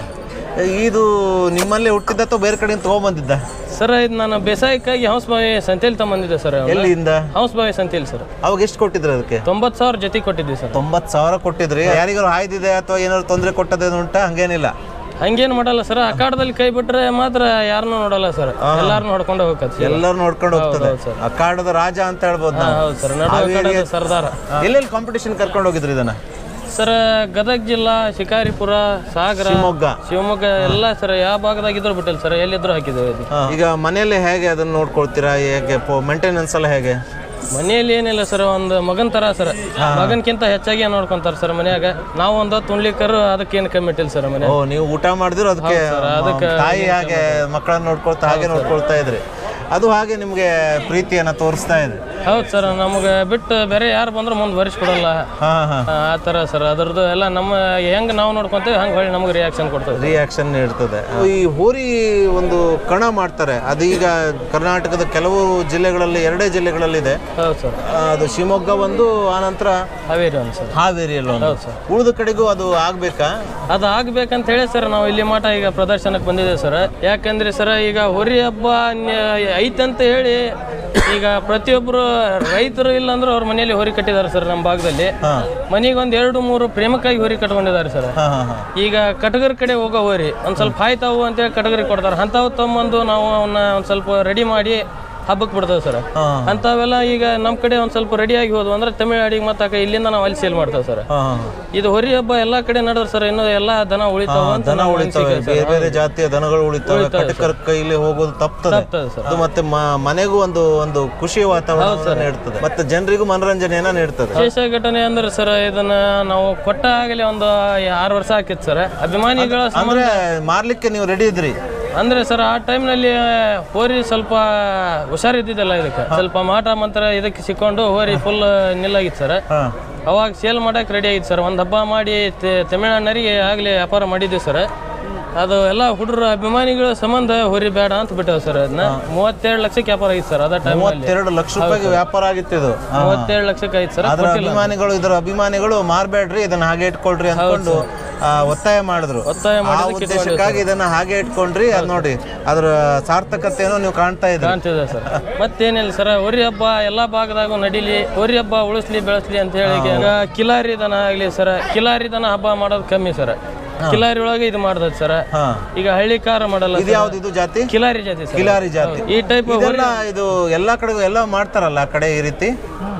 Speaker 1: ಇದು ನಿಮ್ಮಲ್ಲೇ ಹುಟ್ಟಿದ್ದ ಅಥವಾ ಬೇರೆ ಕಡೆಯಿಂದ ತಗೊಂಡ್ಬಂದಿದ್ದ?
Speaker 7: ಸರ್ ಇದು ನಾನು ಬೇಸಾಯಕ್ಕಾಗಿ ಹಂಸಬಾವಿ ಸಂತೆಯಲ್ಲಿ ತಗೊಂಬಂದಿದ್ದೆ ಸರ್.
Speaker 1: ಎಲ್ಲಿಂದ?
Speaker 7: ಹಂಸಬಾವಿ ಸಂತೆಯಲ್ಲಿ ಸರ್.
Speaker 1: ಅವಾಗ ಎಷ್ಟು ಕೊಟ್ಟಿದ್ರು ಅದಕ್ಕೆ?
Speaker 7: ತೊಂಬತ್ತು ಸಾವಿರ ಜೊತೆ ಕೊಟ್ಟಿದ್ವಿ ಸರ್.
Speaker 1: ತೊಂಬತ್ತು ಸಾವಿರ ಕೊಟ್ಟಿದ್ರಿ. ಯಾರಿಗಾರು ಹಾಯ್ದಿದೆ ಅಥವಾ ಏನಾದ್ರು ತೊಂದರೆ ಕೊಟ್ಟದೇನು ಉಂಟಾ? ಹಂಗೇನಿಲ್ಲ.
Speaker 7: ಹಂಗೇನು ಮಾಡಲ್ಲ ಸರ್, ಅಖಾಡದಲ್ಲಿ ಕೈ ಬಿಟ್ರೆ ಮಾತ್ರ ಯಾರನ್ನೂ ನೋಡಲ್ಲ ಸರ್, ಎಲ್ಲಾರನ್ನೂ ಹೊಡ್ಕೊಂಡು ಹೋಗ್ತದೆ.
Speaker 1: ಎಲ್ಲರೂ ನೋಡ್ಕೊಂಡು ಹೋಗ್ತದೆ. ಅಖಾಡದ ರಾಜ ಅಂತ ಹೇಳ್ಬೋದು ನಾವು.
Speaker 7: ಹೌದು ಸರ್, ನಡು ಅಖಾಡದ ಸರ್ದಾರ.
Speaker 1: ಎಲ್ಲೆಲ್ಲಿ ಕಾಂಪಿಟೇಷನ್ ಕರ್ಕೊಂಡು ಹೋಗಿದ್ರಿ ಇದನ್ನ?
Speaker 7: ಸರ್ ಗದಗ ಜಿಲ್ಲಾ, ಶಿಕಾರಿಪುರ, ಸಾಗರ,
Speaker 1: ಶಿವಮೊಗ್ಗ
Speaker 7: ಶಿವಮೊಗ್ಗ ಎಲ್ಲ ಸರ್, ಯಾವ ಭಾಗದಾಗಿದ್ರು ಬಿಟ್ಟಿಲ್ಲ ಸರ್, ಎಲ್ಲಿದ್ರು ಹಾಕಿದ್ದೇವೆ.
Speaker 1: ಈಗ ಮನೆಯಲ್ಲಿ ಹೇಗೆ ಅದನ್ನ ನೋಡ್ಕೊಳ್ತೀರಾ? ಹೇಗೆ ಮೇಂಟೆನೆನ್ಸ್ ಎಲ್ಲ ಹೇಗೆ?
Speaker 7: ಮನೆಯಲ್ಲಿ ಏನಿಲ್ಲ ಸರ್, ಒಂದು ಮಗನ್ ತರ ಸರ್, ಮಗನ್ಕಿಂತ ಹೆಚ್ಚಾಗಿ ನೋಡ್ಕೊಂತಾರ ಸರ್ ಮನ್ಯಾಗ. ನಾವು ಒಂದು ತುಂಡ್ಲಿಕ್ಕರು ಅದಕ್ಕೇನು ಕಮ್ಮಿ ಇಟ್ಟಿಲ್ಲ ಸರ್ ಮನೆ.
Speaker 1: ಓ, ನೀವು ಊಟ ಮಾಡಿದ್ರು ಅದಕ್ಕೆ
Speaker 7: ಅದಕ್ಕೆ
Speaker 1: ತಾಯಿ ಹಾಗೆ ಮಕ್ಕಳನ್ನ ನೋಡ್ಕೊಳ್ತಾ ಹಾಗೆ ನೋಡ್ಕೊಳ್ತಾ ಇದ್ರಿ. ಅದು ಹಾಗೆ ನಿಮಗೆ ಪ್ರೀತಿಯನ್ನ ತೋರಿಸ್ತಾ ಇದೆ.
Speaker 7: ಹೌದು ಸರ್, ನಮಗೆ ಬಿಟ್ಟು ಬೇರೆ ಯಾರು ಬಂದ್ರು ಮುಂದೆ ಭರಿಸ್ಕೊಡಲ್ಲ.
Speaker 1: ಹಾ ಹಾ,
Speaker 7: ಆ ಥರ ಸರ್, ಅದ್ರದ್ದು ಎಲ್ಲ ನಮ್ಮ ಹೆಂಗೆ ನಾವು ನೋಡ್ಕೊಂತೀವಿ ಹಂಗೆ ಹೊಳ್ಳಿ ನಮಗೆ ರಿಯಾಕ್ಷನ್ ಕೊಡ್ತದೆ.
Speaker 1: ರಿಯಾಕ್ಷನ್ ನೀಡ್ತದೆ. ಈ ಹೋರಿ ಒಂದು ಕಣ ಮಾಡ್ತಾರೆ, ಅದೀಗ ಕರ್ನಾಟಕದ ಕೆಲವು ಜಿಲ್ಲೆಗಳಲ್ಲಿ, ಎರಡೇ ಜಿಲ್ಲೆಗಳಲ್ಲಿದೆ.
Speaker 7: ಹೌದು ಸರ್,
Speaker 1: ಅದು ಶಿವಮೊಗ್ಗ ಒಂದು, ಆನಂತರ
Speaker 7: ಹಾವೇರಿ ಒಂದು ಸರ್.
Speaker 1: ಹಾವೇರಿಯಲ್ಲಿ ಒಂದು.
Speaker 7: ಹೌದು ಸರ್.
Speaker 1: ಉಳಿದ ಕಡೆಗೂ ಅದು ಆಗ್ಬೇಕಾ?
Speaker 7: ಅದು ಆಗ್ಬೇಕಂತ ಹೇಳಿ ಸರ್ ನಾವು ಇಲ್ಲಿ ಮಠ ಈಗ ಪ್ರದರ್ಶನಕ್ಕೆ ಬಂದಿದ್ದೇವೆ ಸರ್. ಯಾಕಂದ್ರೆ ಸರ್ ಈಗ ಹೋರಿ ಹಬ್ಬ ನ್ಯ- ಐತಂತ ಹೇಳಿ ಈಗ ಪ್ರತಿಯೊಬ್ಬರು ರೈತರು ಇಲ್ಲ ಅಂದ್ರೆ ಅವ್ರ ಮನೆಯಲ್ಲಿ ಹೋರಿ ಕಟ್ಟಿದ್ದಾರೆ ಸರ್. ನಮ್ಮ ಭಾಗದಲ್ಲಿ ಮನೆಗೆ ಒಂದು ಎರಡು ಮೂರು ಪ್ರೇಮಕ್ಕಾಗಿ ಹೋರಿ ಕಟ್ಕೊಂಡಿದ್ದಾರೆ ಸರ್. ಈಗ ಕಟಗರ ಕಡೆ ಹೋಗೋ ಹೋರಿ ಒಂದು ಸ್ವಲ್ಪ ಹಾಯ್ತಾವು ಅಂತೇಳಿ ಕಟಗರಿಗೆ ಕೊಡ್ತಾರೆ. ಅಂಥವು ತಮ್ಮಂದು ನಾವು ಅವನ್ನ ಒಂದು ಸ್ವಲ್ಪ ರೆಡಿ ಮಾಡಿ ಹಬ್ಬಕ್ಕೆ ಬಿಡ್ತೇವೆ ಸರ್. ಅಂಥವೆಲ್ಲ ಈಗ ನಮ್ಮ ಕಡೆ ಒಂದು ಸ್ವಲ್ಪ ರೆಡಿಯಾಗಿ ಹೋದ್ವು ಅಂದ್ರೆ ತಮಿಳ್ನಾಡಿಗೆ ಮತ್ತೆ ಇಲ್ಲಿಂದ ನಾವು ಅಲ್ಲಿ ಸೇಲ್ ಮಾಡ್ತೇವೆ ಸರ್. ಇದು ಹೊರಿ ಹಬ್ಬ ಎಲ್ಲ ಕಡೆ ನಡೆದ್ರೆ ಸರ್, ಇನ್ನು ಎಲ್ಲ ದನ ಉಳಿತಾವ ಅಂತ.
Speaker 1: ದನ ಉಳಿತಾವೆ, ಬೇರೆ ಬೇರೆ ಜಾತಿಯ ದನಗಳು ಉಳಿತಾವೆ. ಕಟಕರ ಕೈಲಿ ಹೋಗೋದು ತಪ್ತದೆ. ಅದು ಮತ್ತೆ ಮ- ಮನೆಗೂ ಒಂದು ಒಂದು ಖುಷಿ ವಾತಾವರಣ ನೀಡ್ತದೆ, ಮತ್ತೆ ಜನರಿಗೂ ಮನೋರಂಜನೆಯನ್ನ ನೀಡ್ತದೆ.
Speaker 7: ವಿಶೇಷ ಘಟನೆ ಅಂದ್ರೆ ಸರ್, ಇದನ್ನ ನಾವು ಕೊಟ್ಟ ಆಗಲೇ ಒಂದು ಆರು ವರ್ಷ ಹಾಕಿತ್ತು ಸರ್. ಅಭಿಮಾನಿಗಳ
Speaker 1: ಅಂದ್ರೆ ಮಾರ್ಲಿಕ್ಕೆ ನೀವು ರೆಡಿ ಇದ್ರಿ
Speaker 7: ಅಂದ್ರೆ ಸರ್, ಆ ಟೈಮ್ನಲ್ಲಿ ಹೋರಿ ಸ್ವಲ್ಪ ಹುಷಾರಿದ್ದಿದ್ದಲ್ಲ, ಇದಕ್ಕೆ ಸ್ವಲ್ಪ ಮಾಟ ಮಂತ್ರ ಇದಕ್ಕೆ ಸಿಕ್ಕೊಂಡು ಹೋರಿ ಫುಲ್ ನಿಲ್ಲಾಗಿತ್ತು ಸರ್. ಅವಾಗ ಸೇಲ್ ಮಾಡಕ್ಕೆ ರೆಡಿ ಆಗಿತ್ತು ಸರ್. ಒಂದು ಹಬ್ಬ ಮಾಡಿ ತಮಿಳ್ನಾಡಿನರಿಗೆ ಆಗಲೇ ವ್ಯಾಪಾರ ಮಾಡಿದ್ದೀವಿ ಸರ್. ಅದು ಎಲ್ಲ ಹುಡುಗರು ಅಭಿಮಾನಿಗಳ ಸಂಬಂಧ ಹೊರಿ ಬೇಡ ಅಂತ ಬಿಟ್ಟೇವೆ ಸರ್. ಅದನ್ನ ಮೂವತ್ತೆರಡು ಲಕ್ಷಕ್ಕೆ ವ್ಯಾಪಾರ ಆಗಿತ್ತು ಸರ್. ಅದ ಟೈಮ್
Speaker 1: ಮೂವತ್ತೆರಡು ಲಕ್ಷ ರೂಪಾಯಿಗೆ ವ್ಯಾಪಾರ ಆಗಿತ್ತು ಇದು.
Speaker 7: ಮೂವತ್ತೆರಡು ಲಕ್ಷಕ್ಕೆ ಆಯ್ತು ಸರ್.
Speaker 1: ಅದರ ಅಭಿಮಾನಿಗಳು ಇದರ ಅಭಿಮಾನಿಗಳು ಮಾರ್ಬೇಡ್ರಿ, ಇದನ್ನ ಹಾಗೆ ಇಟ್ಕೊಳ್ರಿ ಅನ್ಕೊಂಡು ಒತ್ತಾಯ ಮಾಡಿದ್ರು.
Speaker 7: ಒತ್ತಾಯ
Speaker 1: ಆ ಉದ್ದೇಶಕ್ಕಾಗಿ ಇದನ್ನ ಹಾಗೆ ಇಟ್ಕೊಂಡ್ರಿ. ಅದ್ ನೋಡಿ ಅದರ ಸಾರ್ಥಕತೆಯನ್ನು ನೀವು ಕಾಣ್ತಾ ಇದ್ದೀರಿ.
Speaker 7: ಕಾಣ್ತಿದೆ ಸರ್. ಮತ್ತೇನಿಲ್ಲ ಸರ್, ಹೋರಿ ಹಬ್ಬ ಎಲ್ಲಾ ಭಾಗದಾಗೂ ನಡೀಲಿ, ಹೋರಿ ಹಬ್ಬ ಉಳಿಸ್ಲಿ ಬೆಳೆಸ್ಲಿ ಅಂತ ಹೇಳಿ ಈಗ ಕಿಲಾರಿ ದನ ಆಗ್ಲಿ ಸರ್, ಕಿಲಾರಿ ದನ ಹಬ್ಬ ಮಾಡೋದು ಕಮ್ಮಿ ಸರ್. ಕಿಲಾರಿ ಒಳಗೆ ಇದು ಮಾಡ್ತದೆ ಸರ್. ಈಗ ಹಳ್ಳಿ ಕಾರ ಮಾಡಲ್ಲ.
Speaker 1: ಇದು ಯಾವ್ದು ಇದು ಜಾತಿ?
Speaker 7: ಕಿಲಾರಿ ಜಾತಿ ಸರ್.
Speaker 1: ಕಿಲಾರಿ ಜಾತಿ.
Speaker 7: ಈ ಟೈಪ್
Speaker 1: ಇದು ಎಲ್ಲಾ ಕಡೆ ಎಲ್ಲ ಮಾಡ್ತಾರಲ್ಲ ಆ ಕಡೆ ಈ ರೀತಿ.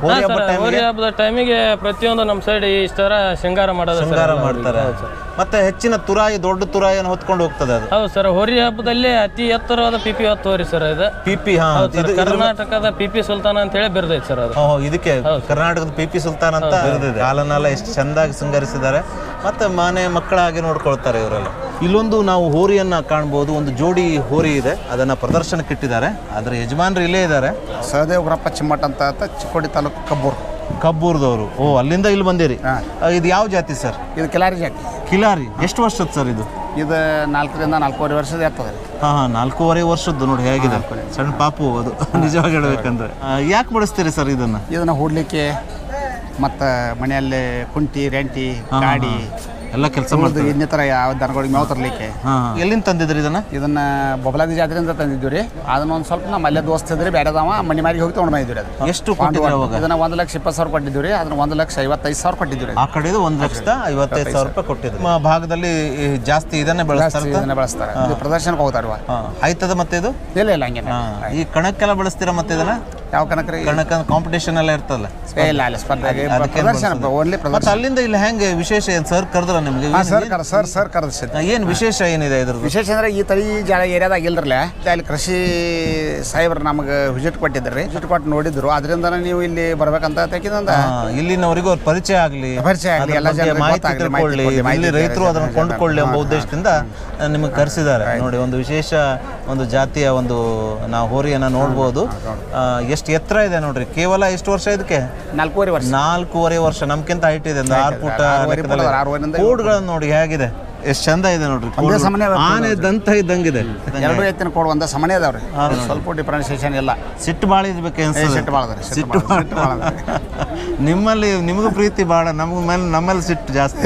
Speaker 1: ಹೋರಿ ಹಬ್ಬದ
Speaker 7: ಹೋರಿ
Speaker 1: ಟೈಮಿಗೆ
Speaker 7: ಹಬ್ಬದ ಟೈಮಿಗೆ ಪ್ರತಿಯೊಂದು ನಮ್ಮ ಸೈಡ್ ಇಷ್ಟರ ಶೃಂಗಾರ ಮಾಡೋದು ಸರ್.
Speaker 1: ಶೃಂಗಾರ ಮಾಡ್ತಾರೆ. ಮತ್ತೆ ಹೆಚ್ಚಿನ ತುರಾಯಿ, ದೊಡ್ಡ ತುರಾಯಿಯನ್ನು ಹೊತ್ಕೊಂಡು ಹೋಗ್ತದೆ ಅದು.
Speaker 7: ಹೌದು ಸರ್, ಹೋರಿ ಹಬ್ಬದಲ್ಲಿ ಅತಿ ಎತ್ತರವಾದ ಪಿಪಿ ಹೊತ್ತು ಹೋರಿ ಸರ್ ಇದು.
Speaker 1: ಪಿಪಿ, ಹಾ,
Speaker 7: ಹೌದು ಸರ್, ಕರ್ನಾಟಕದ ಪಿಪಿ ಸುಲ್ತಾನ ಅಂತ ಹೇಳಿ ಬಿರ್ದೈತೆ ಸರ್ ಅದು.
Speaker 1: ಓಹೋ, ಇದಕ್ಕೆ ಕರ್ನಾಟಕದ ಪಿ ಪಿ ಸುಲ್ತಾನ್ ಅಂತ ಬಿರಿದಿದೆ. ಕಾಲನ್ನೆಲ್ಲ ಎಷ್ಟು ಚಂದಾಗಿ ಶೃಂಗರಿಸಿದ್ದಾರೆ, ಮತ್ತೆ ಮನೆ ಮಕ್ಕಳ ಹಾಗೆ ನೋಡ್ಕೊಳ್ತಾರೆ ಇವರೆಲ್ಲ. ಇಲ್ಲೊಂದು ನಾವು ಹೋರಿಯನ್ನ ಕಾಣ್ಬೋದು, ಒಂದು ಜೋಡಿ ಹೋರಿ ಇದೆ, ಅದನ್ನ ಪ್ರದರ್ಶನಕ್ಕೆ ಇಟ್ಟಿದ್ದಾರೆ. ಅದರ ಯಜಮಾನರು ಇಲ್ಲೇ ಇದ್ದಾರೆ,
Speaker 8: ಸಹದೇವ್ ಗ್ರಪ್ಪ ಚಿಮ್ಮಟ್ ಅಂತ ಆತ ಚಿಕ್ಕೋಡಿ ತಾಲೂಕು ಕಬ್ಬೂರು.
Speaker 1: ಕಬ್ಬೂರ್ದವರು. ಓ, ಅಲ್ಲಿಂದ ಇಲ್ಲಿ ಬಂದಿರಿ. ಇದು ಯಾವ ಜಾತಿ ಸರ್?
Speaker 8: ಇದು ಕಿಲಾರಿ ಜಾತಿ.
Speaker 1: ಕಿಲಾರಿ. ಎಷ್ಟು ವರ್ಷದ ಸರ್ ಇದು?
Speaker 8: ಇದು ನಾಲ್ಕರಿಂದ ನಾಲ್ಕೂವರೆ ವರ್ಷದ ಇರ್ತದೆ.
Speaker 1: ಹಾಂ ಹಾಂ, ನಾಲ್ಕೂವರೆ ವರ್ಷದ್ದು ನೋಡಿ ಹೇಗಿದೆ, ಸಣ್ಣ ಪಾಪು ಅದು. ನಿಜವಾಗಿ ಹೇಳ್ಬೇಕಂದ್ರೆ ಯಾಕೆ ಬಳಸ್ತೀರಿ ಸರ್ ಇದನ್ನ?
Speaker 8: ಇದನ್ನು ಹೂಡ್ಲಿಕ್ಕೆ ಮತ್ತು ಮನೆಯಲ್ಲಿ ಕುಂಟಿ, ರೆಂಟಿ, ಗಾಡಿ
Speaker 1: ಎಲ್ಲ ಕೆಲಸ
Speaker 8: ಉಳಿದು ಇನ್ನಿತರ ಯಾವ ದನಗಳಿಗೆ ಮೇವು ತರಲಿಕ್ಕೆ.
Speaker 1: ಎಲ್ಲಿಂದ ತಂದಿದ್ರಿ ಇದನ್ನ?
Speaker 8: ಇದನ್ನ ಬೊಬಲಾದಿ ಜಾತ್ರೆಯಿಂದ ತಂದಿದ್ವಿ ರೀ. ಅದನ್ನ ಒಂದು ಸ್ವಲ್ಪ ನಮ್ಮ ಅಲ್ಲೇ ದೋಸ್ತ ಇದ್ರಿ, ಬೇಡದವ ಮನೆ ಮಾರಿಗೆ ಹೋಗಿ ತೊಗೊಂಡು ಬಂದಿದ್ವಿ. ಅದು
Speaker 1: ಎಷ್ಟು ಕೊಟ್ಟಿದ್ರಿ ಅವಾಗ?
Speaker 8: ಇದನ್ನ ಒಂದು ಲಕ್ಷ ಇಪ್ಪತ್ತು ಸಾವಿರ ಕೊಟ್ಟಿದ್ವಿ ರೀ. ಅದನ್ನ ಒಂದು ಲಕ್ಷ ಐವತ್ತೈದು ಸಾವಿರ ಕೊಟ್ಟಿದ್ವಿ.
Speaker 1: ಆ ಕಡೆದು ಒಂದು ಲಕ್ಷದ ಐವತ್ತೈದು ಸಾವಿರ ರೂಪಾಯಿ ಕೊಟ್ಟಿದ್ರು. ನಮ್ಮ ಭಾಗದಲ್ಲಿ ಜಾಸ್ತಿ ಇದನ್ನೇ ಬಳಸ್ತಾರೆ.
Speaker 8: ಇದನ್ನ ಬಳಸ್ತಾರೆ, ಇದು ಪ್ರದರ್ಶನಕ್ಕೆ ಹೋಗ್ತಾರ.
Speaker 1: ಆಯ್ತದ ಮತ್ತೆ ಇದು?
Speaker 8: ಇಲ್ಲ ಇಲ್ಲ, ಹಂಗೆ
Speaker 1: ಈ ಕಣಕ್ಕೆಲ್ಲ ಬಳಸ್ತೀರಾ ಮತ್ತೆ ಇದನ್ನ?
Speaker 8: ಯಾವ ಕನಕ ರೀ?
Speaker 1: ಕಣಕ ಕಾಂಪಿಟೇಷನ್ ಎಲ್ಲ ಇರ್ತಲ್ಲ.
Speaker 8: ಇಲ್ಲ ಇಲ್ಲ, ಸ್ಪರ್ಧೆಗೆ ಪ್ರದರ್ಶನ, ಓನ್ಲಿ ಪ್ರದರ್ಶನ.
Speaker 1: ಮತ್ತೆ ಅಲ್ಲಿಂದ ಇಲ್ಲಿ ಹೆಂಗೆ ವಿಶೇಷ ಏನು ಸರ್ ಕರೆದ್ರ ನಿಮಗೆ?
Speaker 8: ಸರ್ ಕರ್ ಸರ್ ಸರ್ ಕರೆದ
Speaker 1: ಏನು ವಿಶೇಷ ಏನಿದೆ ಇದ್ರದ್ದು?
Speaker 8: ವಿಶೇಷ ಅಂದ್ರೆ ಈ ತಳಿ ಜಾಗ ಏರಿಯಾದಾಗ ಇಲ್ರಲ್ಲ, ಅಲ್ಲಿ ಕೃಷಿ ಸಾಹೇಬ್ರು ನಮಗೆ ವಿಸಿಟ್ ಕೊಟ್ಟಿದ್ರಿ. ವಿಸಿಟ್ ಕೊಟ್ಟು ನೋಡಿದ್ರು, ಅದರಿಂದ ನೀವು ಇಲ್ಲಿ ಬರ್ಬೇಕಂತ ಯಾಕಿಂದ
Speaker 1: ಇಲ್ಲಿನವರಿಗೂ ಅವ್ರ ಪರಿಚಯ ಆಗಲಿ,
Speaker 8: ಪರಿಚಯ ಆಗಲಿ, ಎಲ್ಲ ಜನ
Speaker 1: ಮಾಹಿತಿ ತಿಳ್ಕೊಳ್ಳಿ, ಇಲ್ಲಿ ರೈತರು ಅದನ್ನು ಕೊಂಡುಕೊಳ್ಳಿ ಎಂಬ ಉದ್ದೇಶದಿಂದ ನಿಮಗೆ ಕರೆಸಿದ್ದಾರೆ. ನೋಡಿ, ಒಂದು ವಿಶೇಷ ಒಂದು ಜಾತಿಯ ಒಂದು ನಾವು ಹೋರಿಯನ್ನು ನೋಡ್ಬೋದು. ಎಷ್ಟು ಎತ್ತರ ಇದೆ ನೋಡ್ರಿ. ಕೇವಲ ಎಷ್ಟು ವರ್ಷ ಇದಕ್ಕೆ?
Speaker 8: ನಾಲ್ಕೂವರೆ ವರ್ಷ.
Speaker 1: ನಾಲ್ಕೂವರೆ ವರ್ಷ, ನಮ್ಗಿಂತ ಹೈಟ್ ಇದೆ, ಒಂದು ಆರು ಫುಟ್. ಕೋಡ್ಗಳನ್ನು ನೋಡಿ ಹೇಗಿದೆ, ಎಷ್ಟು ಚಂದ ಇದೆ ನೋಡ್ರಿ. ಆನೆ ದಂತ ಇದ್ದಂಗಿದೆ.
Speaker 8: ಎರಡು ಎತ್ತಿನ ಕೋಡ್ ಒಂದ ಸಮನೆ ಅದಾವ್ರಿ, ಸ್ವಲ್ಪ ಡಿಫ್ರೆನ್ಸಿಯೇಷನ್ ಇಲ್ಲ.
Speaker 1: ಸಿಟ್ಟು ಭಾಳ ಇರ್ಬೇಕು ಅನ್ಸುತ್ತೆ.
Speaker 8: ಸಿಟ್ಟು ಭಾಳ ಅದ.
Speaker 1: ಸಿಟ್ಟು ನಿಮ್ಮಲ್ಲಿ ನಿಮಗೂ ಪ್ರೀತಿ ಭಾಳ, ನಮಗ ಮೇಲೆ ನಮ್ಮಲ್ಲಿ ಸಿಟ್ಟು ಜಾಸ್ತಿ.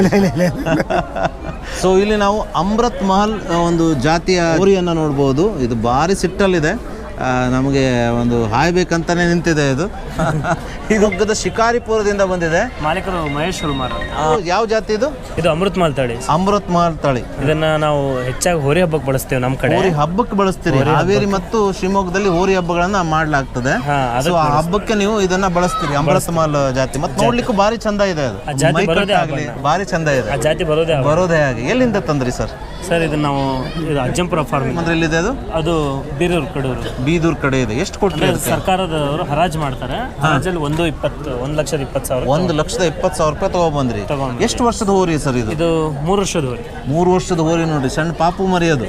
Speaker 1: ಸೊ ಇಲ್ಲಿ ನಾವು ಅಮೃತ್ ಮಹಲ್ ಒಂದು ಜಾತಿಯ ಹೋರಿಯನ್ನು ನೋಡ್ಬೋದು. ಇದು ಭಾರಿ ಸಿಟ್ಟಲ್ಲಿದೆ, ನಮಗೆ ಒಂದು ಹಾಯ್ಬೇಕಂತಾನೆ ನಿಂತಿದೆ. ಇದು ಇದು ಶಿಕಾರಿಪುರದಿಂದ ಬಂದಿದೆ.
Speaker 9: ಮಾಲೀಕರು ಮಹೇಶ್ ಹುಲ್ಮಾರ್.
Speaker 1: ಯಾವ ಜಾತಿ ಇದು?
Speaker 9: ಇದು ಅಮೃತ್ ಮಹಲ್ ತಳಿ.
Speaker 1: ಅಮೃತ್ ಮಹಲ್ ತಳಿ.
Speaker 9: ಇದನ್ನ ನಾವು ಹೆಚ್ಚಾಗಿ ಹೋರಿ ಹಬ್ಬಕ್ಕೆ ಬಳಸ್ತೇವೆ. ನಮ್ಮ ಕಡೆ
Speaker 1: ಹೋರಿ ಹಬ್ಬಕ್ಕೆ ಬಳಸ್ತೀರಿ. ಹಾವೇರಿ ಮತ್ತು ಶಿವಮೊಗ್ಗದಲ್ಲಿ ಹೋರಿ ಹಬ್ಬಗಳನ್ನ ಮಾಡ್ಲಾಗ್ತದೆ. ಸೊ ಆ ಹಬ್ಬಕ್ಕೆ ನೀವು ಇದನ್ನ ಬಳಸ್ತೀರಿ, ಅಮೃತ್ ಮಹಲ್ ಜಾತಿ. ಮತ್ತೆ ನೋಡ್ಲಿಕ್ಕೂ ಭಾರಿ ಚಂದ ಇದೆ ಅದು. ಆಗಲಿ ಭಾರಿ ಚಂದ ಇದೆ.
Speaker 9: ಆ ಜಾತಿ ಬರೋದೇ
Speaker 1: ಬರೋದೇ ಹಾಗೆ. ಎಲ್ಲಿಂದ ತಂದ್ರಿ ಸರ್?
Speaker 9: ಸರ್ ಇದು ನಾವು ಇದು ಅಜ್ಜಂಪುರ ಫಾರ್ಮ್.
Speaker 1: ಅಂದ್ರೆ ಎಲ್ಲಿದೆ ಅದು?
Speaker 9: ಅದು ಬೀರೂರು ಕಡೂರು.
Speaker 1: ಬೀದೂರು ಕಡೆ ಇದೆ. ಎಷ್ಟು ಕೊಟ್ಟರೆ?
Speaker 9: ಸರ್ಕಾರದವರು ಹರಾಜು ಮಾಡ್ತಾರೆ. ಹರಾಜಲ್ಲಿ ಒಂದು ಇಪ್ಪತ್ತು ಒಂದು ಲಕ್ಷದ ಇಪ್ಪತ್ತು ಸಾವಿರ
Speaker 1: ಒಂದು ಲಕ್ಷದ ಇಪ್ಪತ್ತು ಸಾವಿರ ರೂಪಾಯಿ ತಗೊಬಂದ್ರಿ. ಎಷ್ಟು ವರ್ಷದ ಹೋರಿ ಸರ್ ಇದು?
Speaker 9: ಇದು ಮೂರು ವರ್ಷದ ಹೋರಿ.
Speaker 1: ಮೂರು ವರ್ಷದ ಹೋರಿ ನೋಡಿ, ಸಣ್ಣ ಪಾಪು ಮರಿ ಅದು.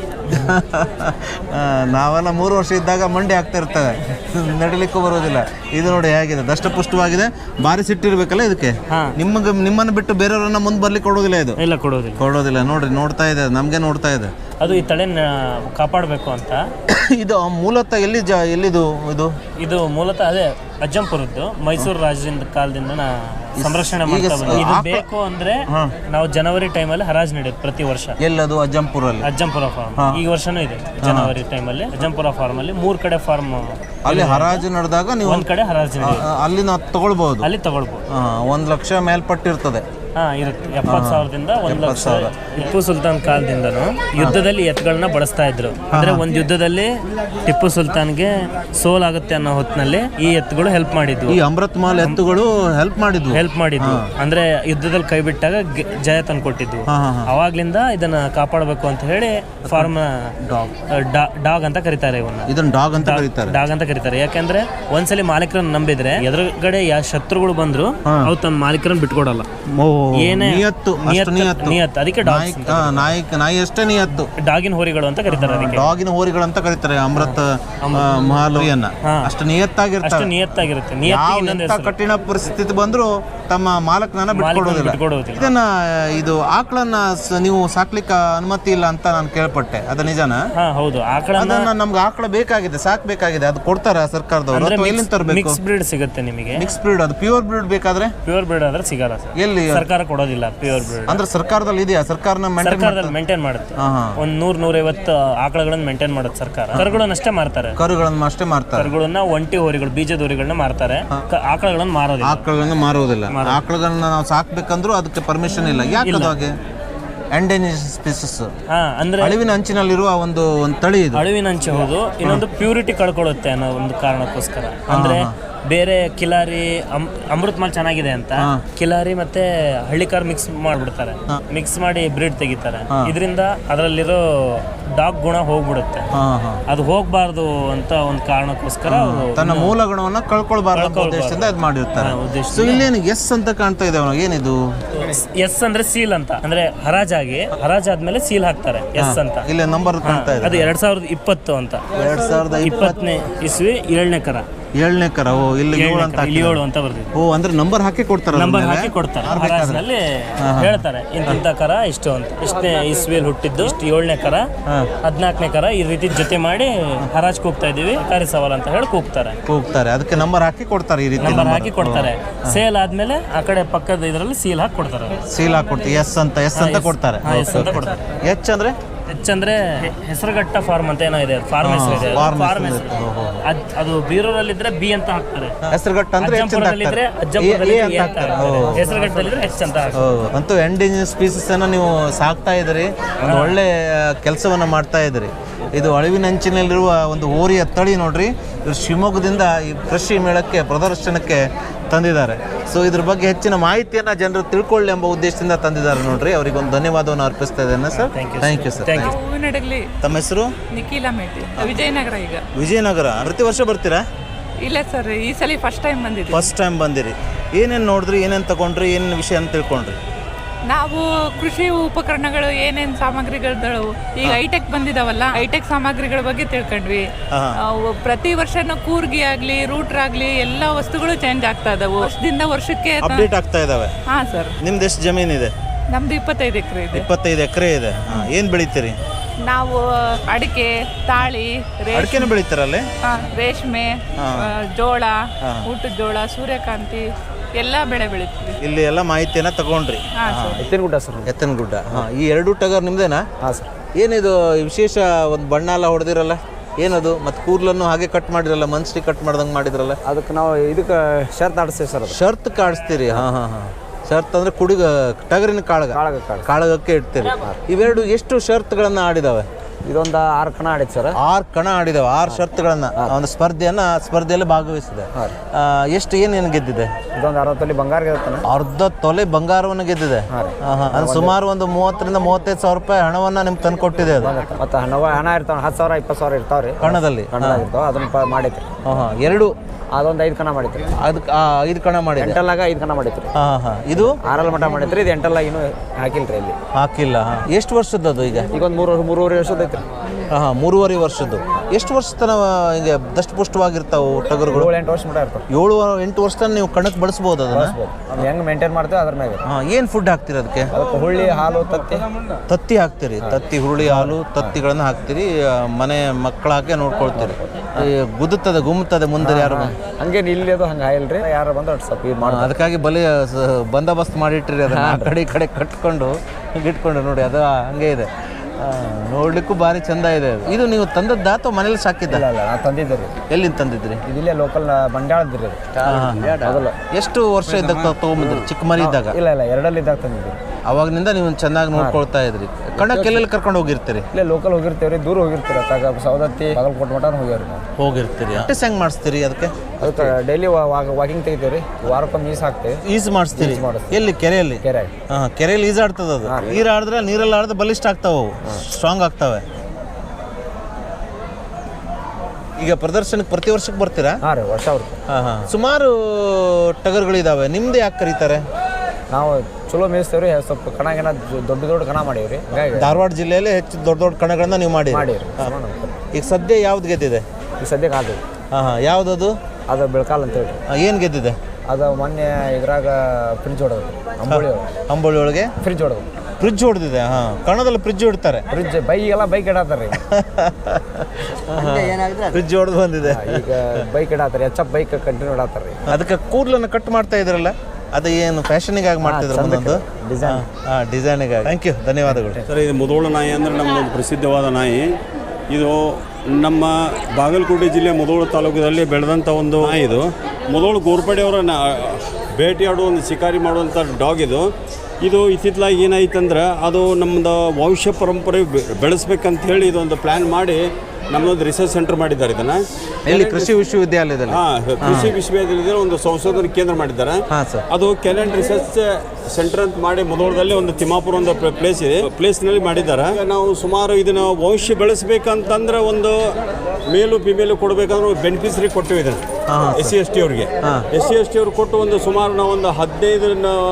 Speaker 1: ನಾವೆಲ್ಲ ಮೂರು ವರ್ಷ ಇದ್ದಾಗ ಮಂಡಿ ಆಗ್ತಾ ಇರ್ತವೆ, ನಡಿಲಿಕ್ಕೂ ಬರೋದಿಲ್ಲ. ಇದು ನೋಡಿ ಹೇಗಿದೆ, ದಷ್ಟಪುಷ್ಟವಾಗಿದೆ. ಭಾರಿ ಸಿಟ್ಟಿರ್ಬೇಕಲ್ಲ ಇದಕ್ಕೆ. ನಿಮಗೆ ನಿಮ್ಮನ್ನು ಬಿಟ್ಟು ಬೇರೆಯವ್ರನ್ನ ಮುಂದೆ ಬರ್ಲಿಕ್ಕೆ ಕೊಡೋದಿಲ್ಲ ಇದು.
Speaker 9: ಇಲ್ಲ, ಕೊಡೋದಿಲ್ಲ
Speaker 1: ಕೊಡೋದಿಲ್ಲ. ನೋಡ್ರಿ, ನೋಡ್ತಾ ಇದೆ, ನಮಗೆ ನೋಡ್ತಾ ಇದೆ.
Speaker 9: ಅದು ಈ ತಳಿನ ಕಾಪಾಡಬೇಕು ಅಂತ.
Speaker 1: ಇದು ಮೂಲತಃ ಎಲ್ಲಿ ಜಾ ಎಲ್ಲಿದು ಇದು?
Speaker 9: ಇದು ಮೂಲತಃ ಅದೇ ಅಜ್ಜಂಪುರದ್ದು, ಮೈಸೂರು ರಾಜ್ಯದ ಕಾಲದಿಂದ ನಾ ಸಂರಕ್ಷಣೆ ಮಾಡ್ತಾ ಬಂದಿದ್ದೀವಿ. ಇದು ಬೇಕು ಅಂದ್ರೆ ನಾವು ಜನವರಿ ಟೈಮಲ್ಲಿ ಹರಾಜು ನಡೆಯುತ್ತೆ ಪ್ರತಿ ವರ್ಷ.
Speaker 1: ಎಲ್ಲದು? ಅಜ್ಜಂಪುರಲ್ಲಿ.
Speaker 9: ಅಜ್ಜಂಪುರ ಫಾರ್ಮ್ ಈ ವರ್ಷನೂ ಇದೆ. ಜನವರಿ ಟೈಮಲ್ಲಿ ಅಜ್ಜಂಪುರ ಫಾರ್ಮ್ ಅಲ್ಲಿ ಮೂರ್ ಕಡೆ ಫಾರ್ಮ್
Speaker 1: ಅಲ್ಲಿ ಹರಾಜು ನಡೆದಾಗ ನೀವು
Speaker 9: ಒಂದ್ ಕಡೆ ಹರಾಜು
Speaker 1: ಅಲ್ಲಿ ನಾವು ತಗೊಳ್ಬಹುದು.
Speaker 9: ಅಲ್ಲಿ ತಗೊಳ್ಬಹುದು.
Speaker 1: ಒಂದ್ ಲಕ್ಷ ಮೇಲ್ಪಟ್ಟಿರ್ತದೆ.
Speaker 9: ಹಾ, ಇರುತ್ತೆ. ಎಪ್ಪತ್ತು ಸಾವಿರದಿಂದ ಒಂದ್ ಲಕ್ಷ. ಟಿಪ್ಪು ಸುಲ್ತಾನ್ ಕಾಲದಿಂದನು ಯುದ್ಧದಲ್ಲಿ ಎತ್ತುಗಳನ್ನ ಬಳಸ್ತಾ ಇದ್ರು. ಅಂದ್ರೆ ಒಂದ್ ಯುದ್ಧದಲ್ಲಿ ಟಿಪ್ಪು ಸುಲ್ತಾನ್ಗೆ ಸೋಲಾಗುತ್ತೆ ಅನ್ನೋ ಹೊತ್ತಿನಲ್ಲಿ ಈ ಎತ್ತುಗಳು ಹೆಲ್ಪ್ ಮಾಡಿದ್ವು.
Speaker 1: ಈ ಅಮೃತ್ ಮಹಲ್ ಎತ್ತುಗಳು ಹೆಲ್ಪ್ ಮಾಡಿದ್ವು
Speaker 9: ಹೆಲ್ಪ್ ಮಾಡಿದ್ವು ಅಂದ್ರೆ ಯುದ್ಧದಲ್ಲಿ ಕೈ ಬಿಟ್ಟಾಗ ಜಯ ತಂದು ಕೊಟ್ಟಿದ್ವು. ಅವಾಗ್ಲಿಂದ ಇದನ್ನ ಕಾಪಾಡಬೇಕು ಅಂತ ಹೇಳಿ ಫಾರ್ಮ್ ಡಾಗ್ ಅಂತ ಕರೀತಾರೆ ಇವನ್ನ.
Speaker 1: ಇದನ್ನ ಡಾಗ್ ಅಂತ ಕರೀತಾರೆ.
Speaker 9: ಡಾಗ್ ಅಂತ ಕರೀತಾರೆ ಯಾಕಂದ್ರೆ ಒಂದ್ಸಲಿ ಮಾಲೀಕರನ್ನ ನಂಬಿದ್ರೆ ಎದುರುಗಡೆ ಯಾವ ಶತ್ರುಗಳು ಬಂದ್ರು ಅವು ತನ್ನ ಮಾಲೀಕರನ್ನ ಬಿಟ್ಕೊಡಲ್ಲ. ಏನೇ
Speaker 1: ನಿಯತ್ತು
Speaker 9: ನಿಯತ್ತು ಅದಕ್ಕೆ
Speaker 1: ನಾಯಿಕ್ ನಾಯಿ ಅಷ್ಟೇ ನಿಯತ್ತು.
Speaker 9: ಡಾಗಿನ ಹೋರಿಗಳು ಅಂತ ಕರೀತಾರೆ. ಅದಕ್ಕೆ
Speaker 1: ಡಾಗಿನ ಹೋರಿಗಳು ಅಂತ ಕರೀತಾರೆ ಅಮೃತ ಮಹಲ್ಯನ್ನ. ಅಷ್ಟು ನಿಯತ್ತಾಗಿರ್ತಾರೆ.
Speaker 9: ನಿಯತ್ತಾಗಿರುತ್ತೆ.
Speaker 1: ಯಾವ ಕಠಿಣ ಪರಿಸ್ಥಿತಿ ಬಂದ್ರು ತಮ್ಮ ಮಾಲಕನನ್ನ ಬಿಟ್ಕೊಡೋದಿಲ್ಲ. ಇದನ್ನ ಇದು ಆಕಳನ್ನ ನೀವು ಸಾಕ್ಲಿಕ್ಕೆ ಅನುಮತಿ ಇಲ್ಲ ಅಂತ ನಾನು ಕೇಳ್ಪಟ್ಟೆ, ಅದ ನಿಜಾನ?
Speaker 9: ಹೌದು. ಆಕಳನ್ನ
Speaker 1: ನಮ್ಗೆ ಆಕಳ ಬೇಕಾಗಿದೆ, ಸಾಕ್ಬೇಕಾಗಿದೆ, ಅದು ಕೊಡ್ತಾರ ಸರ್ಕಾರದವರು? ಎಲ್ಲಿಂದ ತರಬೇಕು?
Speaker 9: ಮಿಕ್ಸ್ ಬ್ರೀಡ್ ಸಿಗುತ್ತೆ ನಿಮಗೆ.
Speaker 1: ಮಿಕ್ಸ್ ಬ್ರೀಡ್, ಅದು ಪ್ಯೂರ್ ಬ್ರೀಡ್ ಬೇಕಾದ್ರೆ?
Speaker 9: ಪ್ಯೂರ್ ಬ್ರೀಡ್ ಆದ್ರೆ ಸಿಗಲ್ಲ ಸರ್.
Speaker 1: ಎಲ್ಲಿ?
Speaker 9: ಸರ್ಕಾರ ಕೊಡೋದಿಲ್ಲ ಪ್ಯೂರ್ ಬ್ರೀಡ್.
Speaker 1: ಅಂದ್ರೆ ಸರ್ಕಾರದಲ್ಲಿ ಇದೆಯಾ? ಸರ್ಕಾರನ
Speaker 9: ಸರ್ಕಾರದಲ್ಲಿ ಮೇಂಟೈನ್ ಮಾಡುತ್ತೆ. ಒಂದ್ ನೂರ್ ನೂರೈವತ್ತು ಆಕಳಗಳನ್ನ ಮೇಂಟೈನ್ ಮಾಡುತ್ತೆ ಸರ್ಕಾರ. ಕರುಗಳನ್ನ ಅಷ್ಟೇ ಮಾರ್ತಾರೆ.
Speaker 1: ಕರುಗಳನ್ನ ಅಷ್ಟೇ ಮಾರ್ತಾರೆ.
Speaker 9: ಕರುಗಳನ್ನ ಒಂಟಿ ಹೋರಿಗಳು, ಬೀಜದ ಹೋರಿಗಳನ್ನ ಮಾರ್ತಾರೆ. ಆಕಳಗಳನ್ನ ಮಾರೋದಿಲ್ಲ.
Speaker 1: ಆಕಳಗಳನ್ನ ಮಾರೋದಿಲ್ಲ. ಆಕಳಗಳನ್ನ ನಾವು ಸಾಕ್ಬೇಕಂದ್ರೂ ಅದಕ್ಕೆ ಪರ್ಮಿಷನ್ ಇಲ್ಲ. ಯಾಕೆ ಹಾಗೆ? ಎಂಡೇಂಜರ್ಡ್ ಸ್ಪೀಸಸ್, ಅಂದ್ರೆ ಅಳಿವಿನ ಅಂಚಿನಲ್ಲಿರುವ ಒಂದು ಒಂದು ತಳಿ ಇದು.
Speaker 9: ಅಳಿವಿನ ಅಂಚು. ಹೌದು. ಇನ್ನೊಂದು ಪ್ಯೂರಿಟಿ ಕಳ್ಕೊಳ್ಳುತ್ತೆ ಅನ್ನೋ ಒಂದು ಕಾರಣಕ್ಕೋಸ್ಕರ. ಅಂದ್ರೆ ಬೇರೆ ಕಿಲಾರಿ ಅಮ್ ಅಮೃತ್ ಮಾಲ್ ಚೆನ್ನಾಗಿದೆ ಅಂತ ಕಿಲಾರಿ ಮತ್ತೆ ಹಳ್ಳಿಕಾರ್ ಮಿಕ್ಸ್ ಮಾಡಿಬಿಡ್ತಾರೆ, ಮಿಕ್ಸ್ ಮಾಡಿ ಬ್ರೀಡ್ ತೆಗಿತಾರೆ. ಇದರಿಂದ ಅದರಲ್ಲಿರೋ ಡಾಗ್ ಗುಣ ಹೋಗ್ಬಿಡುತ್ತೆ. ಅದು ಹೋಗ್ಬಾರ್ದು ಅಂತ ಒಂದು ಕಾರಣಕ್ಕೋಸ್ಕರ
Speaker 1: ತನ್ನ ಮೂಲ ಗುಣವನ್ನು ಕಳ್ಕೊಳ್ಬಾರ್ದು ಉದ್ದೇಶದಿಂದ ಇದು ಮಾಡಿರ್ತಾರೆ. ಸೊ ಇಲ್ಲೇನು ಎಸ್ ಅಂತ ಕಾಣ್ತಾ ಇದೆ ಅವನು, ಏನಿದು
Speaker 9: ಎಸ್ ಅಂದ್ರೆ ಸೀಲ್ ಅಂತ, ಅಂದ್ರೆ ಹರಾಜಾಗಿ ಹರಾಜಾದ್ಮೇಲೆ ಸೀಲ್ ಹಾಕ್ತಾರೆ ಎಸ್ ಅಂತ.
Speaker 1: ಇಲ್ಲಿ ನಂಬರ್ ಕಾಣ್ತಾ ಇದೆ,
Speaker 9: ಅದು ಎರಡ್ ಸಾವಿರದ ಇಪ್ಪತ್ತು ಅಂತ,
Speaker 1: ಎರಡ್ ಸಾವಿರದ
Speaker 9: ಇಪ್ಪತ್ತನೇ ಇಸ್ವಿ ಏಳನೇ ಕರ
Speaker 1: ಏಳನೇ ಕರ. ಓ ಇಲ್ಲಿ ಏಳು ಅಂತ
Speaker 9: ಇಲ್ಲಿ ಏಳು ಅಂತ ಬರ್ತೀವಿ.
Speaker 1: ಓ ಅಂದ್ರೆ ನಂಬರ್ ಹಾಕಿ ಕೊಡ್ತಾರೆ,
Speaker 9: ನಂಬರ್ ಹಾಕಿ ಕೊಡ್ತಾರೆ. ಹರಾಜ್ನಲ್ಲಿ ಹೇಳ್ತಾರೆ ಇಂತಿಂತ ಕರ ಇಷ್ಟು ಅಂತ, ಇಷ್ಟನೇ ಇಸ್ವಿಯಲ್ಲಿ ಹುಟ್ಟಿದ್ದು, ಇಷ್ಟು ಏಳನೇ ಕರ, ಹದಿನಾಲ್ಕನೇ ಕರ, ಈ ರೀತಿ ಜೊತೆ ಮಾಡಿ ಹರಾಜ್ ಕೂಗ್ತಾ ಇದೀವಿ, ಕಾರಿ ಸವಾಲ್ ಅಂತ ಹೇಳಿ ಕೂಗ್ತಾರೆ
Speaker 1: ಕೂಗ್ತಾರೆ ಅದಕ್ಕೆ ನಂಬರ್ ಹಾಕಿ ಕೊಡ್ತಾರೆ. ಈ ರೀತಿ
Speaker 9: ನಂಬರ್ ಹಾಕಿ ಕೊಡ್ತಾರೆ. ಸೇಲ್ ಆದ್ಮೇಲೆ ಆ ಕಡೆ ಪಕ್ಕದ ಇದರಲ್ಲಿ ಸೀಲ್ ಹಾಕಿ ಕೊಡ್ತಾರೆ.
Speaker 1: ಸೀಲ್ ಹಾಕಿ ಕೊಡ್ತೀವಿ, ಎಸ್ ಅಂತ ಎಸ್ ಅಂತ ಕೊಡ್ತಾರೆ.
Speaker 9: ಎಸ್ ಅಂತ ಕೊಡ್ತಾರೆ.
Speaker 1: ಎಚ್ ಅಂದ್ರೆ
Speaker 9: ಎಚ್ ಅಂದ್ರೆ ಹೆಸರುಘಟ್ಟ ಫಾರ್ಮ್ ಅಂತ ಏನೋ ಇದೆ, ಫಾರ್ಮ್ ಹೆಸರು ಇದೆ, ಫಾರ್ಮ್ ಹೆಸರು. ಅದ್ ಅದು ಬೀರೂರಲ್ಲಿದ್ರೆ ಬಿ ಅಂತ ಹಾಕ್ತಾರೆ,
Speaker 1: ಹೆಸರುಘಟ್ಟ ಅಂದ್ರೆ
Speaker 9: ಅಜ್ಜಂಪುರದಲ್ಲಿದ್ರೆ ಅಜ್ಜಂಪುರದಲ್ಲಿ ಎ ಅಂತ ಹಾಕ್ತಾರೆ, ಹೆಸರುಘಟ್ಟದಲ್ಲಿದ್ರೆ ಎಚ್ ಅಂತ ಹಾಕ್ತಾರೆ.
Speaker 1: ಅಂತೂ ಎಂಡೇಂಜರ್ ಸ್ಪೀಸಸ್ ಅನ್ನ ನೀವು ಸಾಕ್ತಾ ಇದ್ರಿ, ಒಂದು ಒಳ್ಳೆ ಕೆಲಸವನ್ನ ಮಾಡ್ತಾ ಇದ್ರಿ. ಇದು ಅಳಿವಿನಂಚಿನಲ್ಲಿರುವ ಒಂದು ಹೋರಿಯ ತಳಿ ನೋಡ್ರಿ, ಇವರು ಶಿವಮೊಗ್ಗದಿಂದ ಈ ಕೃಷಿ ಮೇಳಕ್ಕೆ ಪ್ರದರ್ಶನಕ್ಕೆ ತಂದಿದ್ದಾರೆ. ಸೊ ಇದ್ರ ಬಗ್ಗೆ ಹೆಚ್ಚಿನ ಮಾಹಿತಿಯನ್ನು ಜನರು ತಿಳ್ಕೊಳ್ಳಿ ಎಂಬ ಉದ್ದೇಶದಿಂದ ತಂದಿದ್ದಾರೆ ನೋಡ್ರಿ. ಅವರಿಗೆ ಒಂದು ಧನ್ಯವಾದವನ್ನು ಅರ್ಪಿಸ್ತಾ ಇದ್ದೇನೆ sir. Thank you sir.
Speaker 10: Hoovinahadagali.
Speaker 1: ತಮ್ಮ ಹೆಸರು?
Speaker 10: ನಿಖಿಲ ಮೇಟಿ, ವಿಜಯನಗರ. ಈಗ
Speaker 1: ವಿಜಯನಗರ. ಪ್ರತಿ ವರ್ಷ ಬರ್ತೀರಾ?
Speaker 10: ಇಲ್ಲ ಸರ್, ಈ ಸಲ ಫಸ್ಟ್ ಟೈಮ್ ಬಂದಿದ್ದೀವಿ.
Speaker 1: ಫಸ್ಟ್ ಟೈಮ್ ಬಂದಿರಿ. ಏನೇನು ನೋಡಿದ್ರಿ, ಏನೇನು ತಗೊಂಡ್ರಿ, ಏನೇನು ವಿಷಯ ಅಂತ ತಿಳ್ಕೊಂಡ್ರಿ?
Speaker 10: ನಾವು ಕೃಷಿ ಉಪಕರಣಗಳು ಏನೇನು ಸಾಮಗ್ರಿಗಳು ಈಗ ಹೈಟೆಕ್ ಬಂದಿದಾವಲ್ಲ, ಹೈಟೆಕ್ ಸಾಮಗ್ರಿಗಳ ಬಗ್ಗೆ ತಿಳ್ಕೊಂಡ್ವಿ. ಅವು ಪ್ರತಿ ವರ್ಷನೂ ಕೂರ್ಗಿ ಆಗ್ಲಿ ರೂಟ್ರ್ ಆಗ್ಲಿ ಎಲ್ಲ ವಸ್ತುಗಳು ಚೇಂಜ್ ಆಗ್ತಾ ಇದಾವೆ, ವರ್ಷದಿಂದ ವರ್ಷಕ್ಕೆ
Speaker 1: ಅಪ್ಡೇಟ್ ಆಗ್ತಾ ಇದಾವೆ.
Speaker 10: ಹಾ ಸರ್.
Speaker 1: ನಿಮ್ದು ಎಷ್ಟು ಜಮೀನು ಇದೆ?
Speaker 10: ನಮ್ದು ಇಪ್ಪತ್ತೈದು ಎಕರೆ ಇದೆ.
Speaker 1: ಇಪ್ಪತ್ತೈದು ಎಕರೆ ಇದೆ. ಏನು ಬೆಳಿತೀರಿ?
Speaker 10: ನಾವು ಅಡಿಕೆ, ತಾಳಿ,
Speaker 1: ಅಡಿಕೆನೂ ಬೆಳಿತಾರಲ್ಲಿ?
Speaker 10: ರೇಷ್ಮೆ, ಜೋಳ, ಊಟದ ಜೋಳ, ಸೂರ್ಯಕಾಂತಿ ಎಲ್ಲ ಬೆಳೆ ಬೆಳಿತೀವಿ.
Speaker 1: ಇಲ್ಲಿ ಎಲ್ಲ ಮಾಹಿತಿಯನ್ನ ತಗೊಂಡ್ರಿ?
Speaker 5: ಎತ್ತಿನಗುಡ್ಡ ಸರ್.
Speaker 1: ಎತ್ತನಗುಡ್ಡ. ಹಾಂ, ಈ ಎರಡು ಟಗರ್ ನಿಮ್ದೇನಾ?
Speaker 5: ಹಾಂ ಸರ್.
Speaker 1: ಏನಿದು ವಿಶೇಷ, ಒಂದು ಬಣ್ಣ ಎಲ್ಲ ಹೊಡೆದಿರಲ್ಲ, ಏನದು? ಮತ್ತು ಕೂದಲನ್ನು ಹಾಗೆ ಕಟ್ ಮಾಡಿರಲ್ಲ, ಮನ್ಸ್ಲಿ ಕಟ್ ಮಾಡ್ದಂಗೆ ಮಾಡಿದ್ರಲ್ಲ?
Speaker 5: ಅದಕ್ಕೆ ನಾವು ಇದಕ್ಕೆ ಶರ್ತ್ ಆಡಿಸ್ತೀವಿ ಸರ್.
Speaker 1: ಶರ್ತ್ ಕಾಡಿಸ್ತೀರಿ? ಹಾಂ ಹಾಂ ಹಾಂ. ಶರ್ತ್ ಅಂದರೆ ಕುಡಿಗ ಟಗರಿನ ಕಾಳಗ ಕಾಳಗಕ್ಕೆ ಇಡ್ತೀರಿ. ಇವೆರಡು ಎಷ್ಟು ಶರ್ತ್ಗಳನ್ನು ಆಡಿದಾವೆ?
Speaker 5: ಇದೊಂದು ಆರು ಕಣ ಆಡಿತ್ತು ಸರ್.
Speaker 1: ಆರು ಕಣ ಆಡಿದಾವೆ, ಆರು ಶರ್ತ್ಗಳನ್ನು ಒಂದು ಸ್ಪರ್ಧೆಯನ್ನು ಸ್ಪರ್ಧೆಯಲ್ಲಿ ಭಾಗವಹಿಸಿದೆ. ಎಷ್ಟು ಏನೇನು ಗೆದ್ದಿದೆ?
Speaker 5: ಇದೊಂದು ಅರ್ಧ ತೊಲೆ ಬಂಗಾರ ಗೆದ್ದಿದೆ.
Speaker 1: ಅರ್ಧ ತೊಲೆ ಬಂಗಾರವನ್ನು ಗೆದ್ದಿದೆ. ಅದು ಸುಮಾರು ಒಂದು ಮೂವತ್ತರಿಂದ ಮೂವತ್ತೈದು ಸಾವಿರ ರೂಪಾಯಿ ಹಣವನ್ನು ನಿಮ್ಗೆ ತಂದು ಕೊಟ್ಟಿದೆ ಅದು.
Speaker 5: ಮತ್ತು ಹಣ ಹಣ ಇರ್ತಾವೆ, ಹತ್ತು ಸಾವಿರ ಇಪ್ಪತ್ತು ಸಾವಿರ ಇರ್ತಾವ್ರಿ
Speaker 1: ಕಣದಲ್ಲಿ.
Speaker 5: ಕಣದಾಗಿರ್ತಾವೆ, ಅದನ್ನ ಮಾಡೈತ್ರಿ.
Speaker 1: ಹಾಂ ಹಾಂ. ಎರಡು
Speaker 5: ಅದೊಂದು ಐದು ಕಣ ಮಾಡಿತ್ರಿ.
Speaker 1: ಅದಕ್ಕೆ ಐದು ಕಣ ಮಾಡಿ
Speaker 5: ಎಂಟಲ್ಲಾಗ ಐದು ಕಣ ಮಾಡಿತ್ರಿ.
Speaker 1: ಹಾಂ ಹಾಂ. ಇದು
Speaker 5: ಆರಲ್ ಮಠ ಮಾಡಿತ್ರಿ. ಇದು ಎಂಟಲ್ಲ ಇನ್ನೂ ಹಾಕಿಲ್ರಿ ಇಲ್ಲಿ.
Speaker 1: ಹಾಕಿಲ್ಲ. ಹಾಂ. ಎಷ್ಟು ವರ್ಷದ್ದು ಅದು? ಈಗ
Speaker 5: ಈಗ ಒಂದು ಮೂರು ಮೂರುವರೆ ವರ್ಷದ ಐತ್ರಿ.
Speaker 1: ಹಾಂ ಹಾಂ, ಮೂರುವರೆ ವರ್ಷದ್ದು. ಎಷ್ಟು ವರ್ಷ ತನಕ ಹಿಂಗೆ ದಷ್ಟಪುಷ್ಟವಾಗಿರ್ತಾವೆ ಟಗರುಗಳು?
Speaker 5: ಏಳು ಎಂಟು ವರ್ಷ ಮಟ್ಟ ಇರ್ತಾವೆ.
Speaker 1: ಏಳು ಎಂಟು ವರ್ಷ ತನಕ ನೀವು ಕಣಕ್ಕೆ ಬಳಸ್ಬೋದು ಅದನ್ನು?
Speaker 5: ನಾವು ಹೆಂಗೆ ಮೇಂಟೈನ್ ಮಾಡ್ತೇವೆ ಅದ್ರ ಮ್ಯಾಗ.
Speaker 1: ಹಾಂ. ಏನು ಫುಡ್ ಹಾಕ್ತೀರಿ ಅದಕ್ಕೆ?
Speaker 5: ಅದಕ್ಕೆ ಹುಳ್ಳಿ, ಹಾಲು, ತತ್ತಿ
Speaker 1: ತತ್ತಿ ಹಾಕ್ತೀರಿ? ತತ್ತಿ, ಹುರುಳಿ, ಹಾಲು, ತತ್ತಿಗಳನ್ನು ಹಾಕ್ತೀರಿ. ಮನೆ ಮಕ್ಕಳ ಹಾಕಿ ನೋಡ್ಕೊಳ್ತೀರಿ. ಗುದ್ದುತ್ತದೆ, ಗುಮ್ಮುತ್ತದೆ ಮುಂದೆ ಯಾರು?
Speaker 5: ಹಂಗೇನು ಇಲ್ಲಿ ಅದು ಹಂಗೆ ಆಗಿಲ್ರಿ, ಯಾರು ಬಂದ್ರೆ ಅಷ್ಟು ಸ್ವಲ್ಪ ಇದು ಮಾಡಿ.
Speaker 1: ಅದಕ್ಕಾಗಿ ಬಲಿ ಬಂದೋಬಸ್ತ್ ಮಾಡಿಟ್ರಿ ಅದನ್ನ, ಆ ಕಡೆ ಈ ಕಡೆ ಕಟ್ಕೊಂಡು ಇಟ್ಕೊಂಡು ನೋಡಿ, ಅದು ಹಂಗೆ ಇದೆ. ನೋಡ್ಲಿಕ್ಕೂ ಭಾರಿ ಚಂದ ಇದೆ. ಇದು ನೀವು ತಂದದ್ದಾ ಅಥವಾ ಮನೇಲಿ ಸಾಕಿದ್ದ?
Speaker 5: ಅಲ್ಲ, ನಾವು ತಂದಿದ್ದೀರಿ.
Speaker 1: ಎಲ್ಲಿಂದ ತಂದಿದ್ರಿ?
Speaker 5: ಇದಿಲ್ಲೇ ಲೋಕಲ್ ಬಂಡಾಳದ್ರಿ. ಅದಲ್ಲ,
Speaker 1: ಎಷ್ಟು ವರ್ಷ ಇದ್ದಾಗ ತೊಗೊಂಬಂದ್ರಿ? ಚಿಕ್ಕ ಮರಿ ಇದ್ದಾಗ?
Speaker 5: ಇಲ್ಲ ಇಲ್ಲ, ಎರಡಲ್ಲಿ ಇದ್ದಾಗ ತಂದಿದ್ದೀರಿ.
Speaker 1: ಅವಾಗಿನಿಂದ ನೀವು ಚೆನ್ನಾಗಿ ನೋಡ್ಕೊಳ್ತಾ ಇದ್ರಿ. ಕಣಕ್ಕೆ ಎಲ್ಲೆಲ್ಲಿ ಕರ್ಕೊಂಡು ಹೋಗಿರ್ತೀರಿ?
Speaker 5: ಇಲ್ಲೇ ಲೋಕಲ್ ಹೋಗಿರ್ತೀವಿ, ದೂರ ಹೋಗಿರ್ತೀರಿ. ಅತ್ತಾಗ ಸೌದತ್ತಿ, ಬಾಗಲಕೋಟೆ ಮಠ ಹೋಗ್ಯಾರ ನಾವು.
Speaker 1: ಹೋಗಿರ್ತೀರಿ. ಟೆಸ್ಟ್ ಹೆಂಗೆ ಮಾಡಿಸ್ತೀರಿ ಅದಕ್ಕೆ?
Speaker 5: ಅದಕ್ಕೆ ಡೈಲಿ ವಾಕಿಂಗ್ ತೆಗಿತೀವಿ ರೀ, ವಾರಕ್ಕೊಮ್ಮೆ ಈಜು ಹಾಕ್ತೀವಿ.
Speaker 1: ಈಜು ಮಾಡಿಸ್ತೀರಿ? ಎಲ್ಲಿ? ಕೆರೆಯಲ್ಲಿ?
Speaker 5: ಕೆರೆ.
Speaker 1: ಹಾಂ, ಕೆರೆಯಲ್ಲಿ ಈಜಾಡ್ತದೆ ಅದು. ನೀರು ಆಡಿದ್ರೆ ನೀರಲ್ಲಿ ಆಡಿದ್ರೆ ಬಲಿಷ್ಠ ಆಗ್ತಾವೆ, ಸ್ಟ್ರಾಂಗ್ ಆಗ್ತವೆ. ಈಗ ಪ್ರದರ್ಶನಕ್ಕೆ ಪ್ರತಿ ವರ್ಷಕ್ಕೆ ಬರ್ತೀರಾ?
Speaker 5: ಹಾಂ ರೀ, ವರ್ಷ ಅವ್ರಿಗೆ.
Speaker 1: ಹಾಂ ಹಾಂ. ಸುಮಾರು ಟಗರುಗಳಿದ್ದಾವೆ, ನಿಮ್ದು ಯಾಕೆ ಕರೀತಾರೆ?
Speaker 5: ನಾವು ಚಲೋ ಮೇಯಿಸ್ತೇವೆ ರೀ, ಸ್ವಲ್ಪ ಕಣಗಿನ ದೊಡ್ಡ ದೊಡ್ಡ ಕಣ ಮಾಡೀವಿ ರೀ.
Speaker 1: ಧಾರವಾಡ ಜಿಲ್ಲೆಯಲ್ಲಿ ಹೆಚ್ಚು ದೊಡ್ಡ ದೊಡ್ಡ ಕಣಗಳನ್ನ ನೀವು ಮಾಡಿ
Speaker 5: ಮಾಡೀವಿ.
Speaker 1: ಈಗ ಸದ್ಯ ಯಾವ್ದು ಗೆದ್ದಿದೆ?
Speaker 5: ಈಗ ಸದ್ಯಕ್ಕೆ ಅದು.
Speaker 1: ಹಾಂ ಹಾಂ. ಯಾವುದದು?
Speaker 5: ಅದು ಬೆಳ್ಕಾಲ್ ಅಂತೇಳಿ.
Speaker 1: ಏನು ಗೆದ್ದಿದೆ?
Speaker 5: ಅದು ಮೊನ್ನೆ ಇದ್ರಾಗ ಫ್ರಿಜ್ ಹೊಡೆದು, ಅಂಬೋಳಿ
Speaker 1: ಅಂಬೋಳಿ ಒಳಗೆ
Speaker 5: ಫ್ರಿಜ್ ಹೊಡೆದು.
Speaker 1: ಫ್ರಿಜ್ ಹೊಡೆದಿದೆ? ಹಾಂ. ಕಣದಲ್ಲಿ ಫ್ರಿಜ್ ಹೊಡ್ತಾರೆ?
Speaker 5: ಫ್ರಿಜ್ ಬೈಗೆಲ್ಲ ಬೈಕ್ ಇಡಾತಾರೆ ರೀ.
Speaker 1: ಫ್ರಿಜ್ ಹೊಡೆದು ಬಂದಿದೆ.
Speaker 5: ಈಗ ಬೈಕ್ ಇಡಾತಾರೆ, ಎಚ್ ಎಫ್ ಬೈಕ್ ಕಂಟಿನ್ಯೂ ಇಡಾತಾರೆ ರೀ.
Speaker 1: ಅದಕ್ಕೆ ಕೂದಲನ್ನು ಕಟ್ ಮಾಡ್ತಾ ಇದ್ರಲ್ಲ, ಅದು ಏನು ಫ್ಯಾಷನಿಗಾಗಿ ಮಾಡ್ತಿದ್ರು? ಒಂದೊಂದು
Speaker 5: ಡಿಸೈನ್.
Speaker 1: ಹಾಂ, ಡಿಸೈನಿಗಾಗಿ. ಥ್ಯಾಂಕ್ ಯು, ಧನ್ಯವಾದಗಳು
Speaker 11: ಸರ್. ಇದು ಮುಧೋಳ ನಾಯಿ ಅಂದರೆ ನಮ್ಮದೊಂದು ಪ್ರಸಿದ್ಧವಾದ ನಾಯಿ. ಇದು ನಮ್ಮ ಬಾಗಲಕೋಟೆ ಜಿಲ್ಲೆ ಮುಧೋಳ ತಾಲೂಕಿನಲ್ಲಿ ಬೆಳೆದಂಥ ಒಂದು ನಾಯಿ. ಇದು ಮುಧೋಳ ಗೋರ್ಪಡೆಯವರ ನಾ ಬೇಟೆಯಾಡುವ ಒಂದು ಶಿಕಾರಿ ಮಾಡುವಂಥ ಡಾಗ್ ಇದು. ಇದು ಇತ್ತಿತ್ತಲಾಗಿ ಏನಾಯ್ತಂದ್ರೆ, ಅದು ನಮ್ಮದು ವಂಶ ಪರಂಪರೆ ಬೆಳೆಸ್ಬೇಕಂತ ಹೇಳಿ ಇದೊಂದು ಪ್ಲ್ಯಾನ್ ಮಾಡಿ ನಮ್ಮದೊಂದು ರಿಸರ್ಚ್ ಸೆಂಟರ್ ಮಾಡಿದ್ದಾರೆ ಇದನ್ನ
Speaker 1: ಎಲ್ಲಿ ಕೃಷಿ ವಿಶ್ವವಿದ್ಯಾಲಯದಲ್ಲಿ?
Speaker 11: ಹಾಂ, ಕೃಷಿ ವಿಶ್ವವಿದ್ಯಾಲಯದಲ್ಲಿ ಒಂದು ಸಂಶೋಧನಾ ಕೇಂದ್ರ ಮಾಡಿದ್ದಾರೆ.
Speaker 1: ಹಾಂ ಸರ್.
Speaker 11: ಅದು ಕೆನೆಂಟ್ ರಿಸರ್ಚ್ ಸೆಂಟರ್ ಅಂತ ಮಾಡಿ ಮುಧೋಳದಲ್ಲಿ ಒಂದು ತಿಮ್ಮಾಪುರ ಒಂದು ಪ್ಲೇಸ್ ಇದೆ, ಪ್ಲೇಸ್ನಲ್ಲಿ ಮಾಡಿದ್ದಾರೆ. ನಾವು ಸುಮಾರು ಇದನ್ನ ಭವಿಷ್ಯ ಬೆಳೆಸಬೇಕಂತಂದ್ರೆ ಒಂದು ಮೇಲು ಫಿಮೇಲು ಕೊಡಬೇಕಂದ್ರೆ ಬೆನಿಫಿಷರಿ ಕೊಟ್ಟಿವಿ ಇದನ್ನು ಎಸ್ ಸಿ ಎಸ್ ಟಿ ಅವ್ರಿಗೆ. ಎಸ್ ಸಿ ಎಸ್ ಟಿ ಅವ್ರಿಗೆ ಕೊಟ್ಟು ಒಂದು ಸುಮಾರು ನಾವು ಒಂದು ಹದಿನೈದು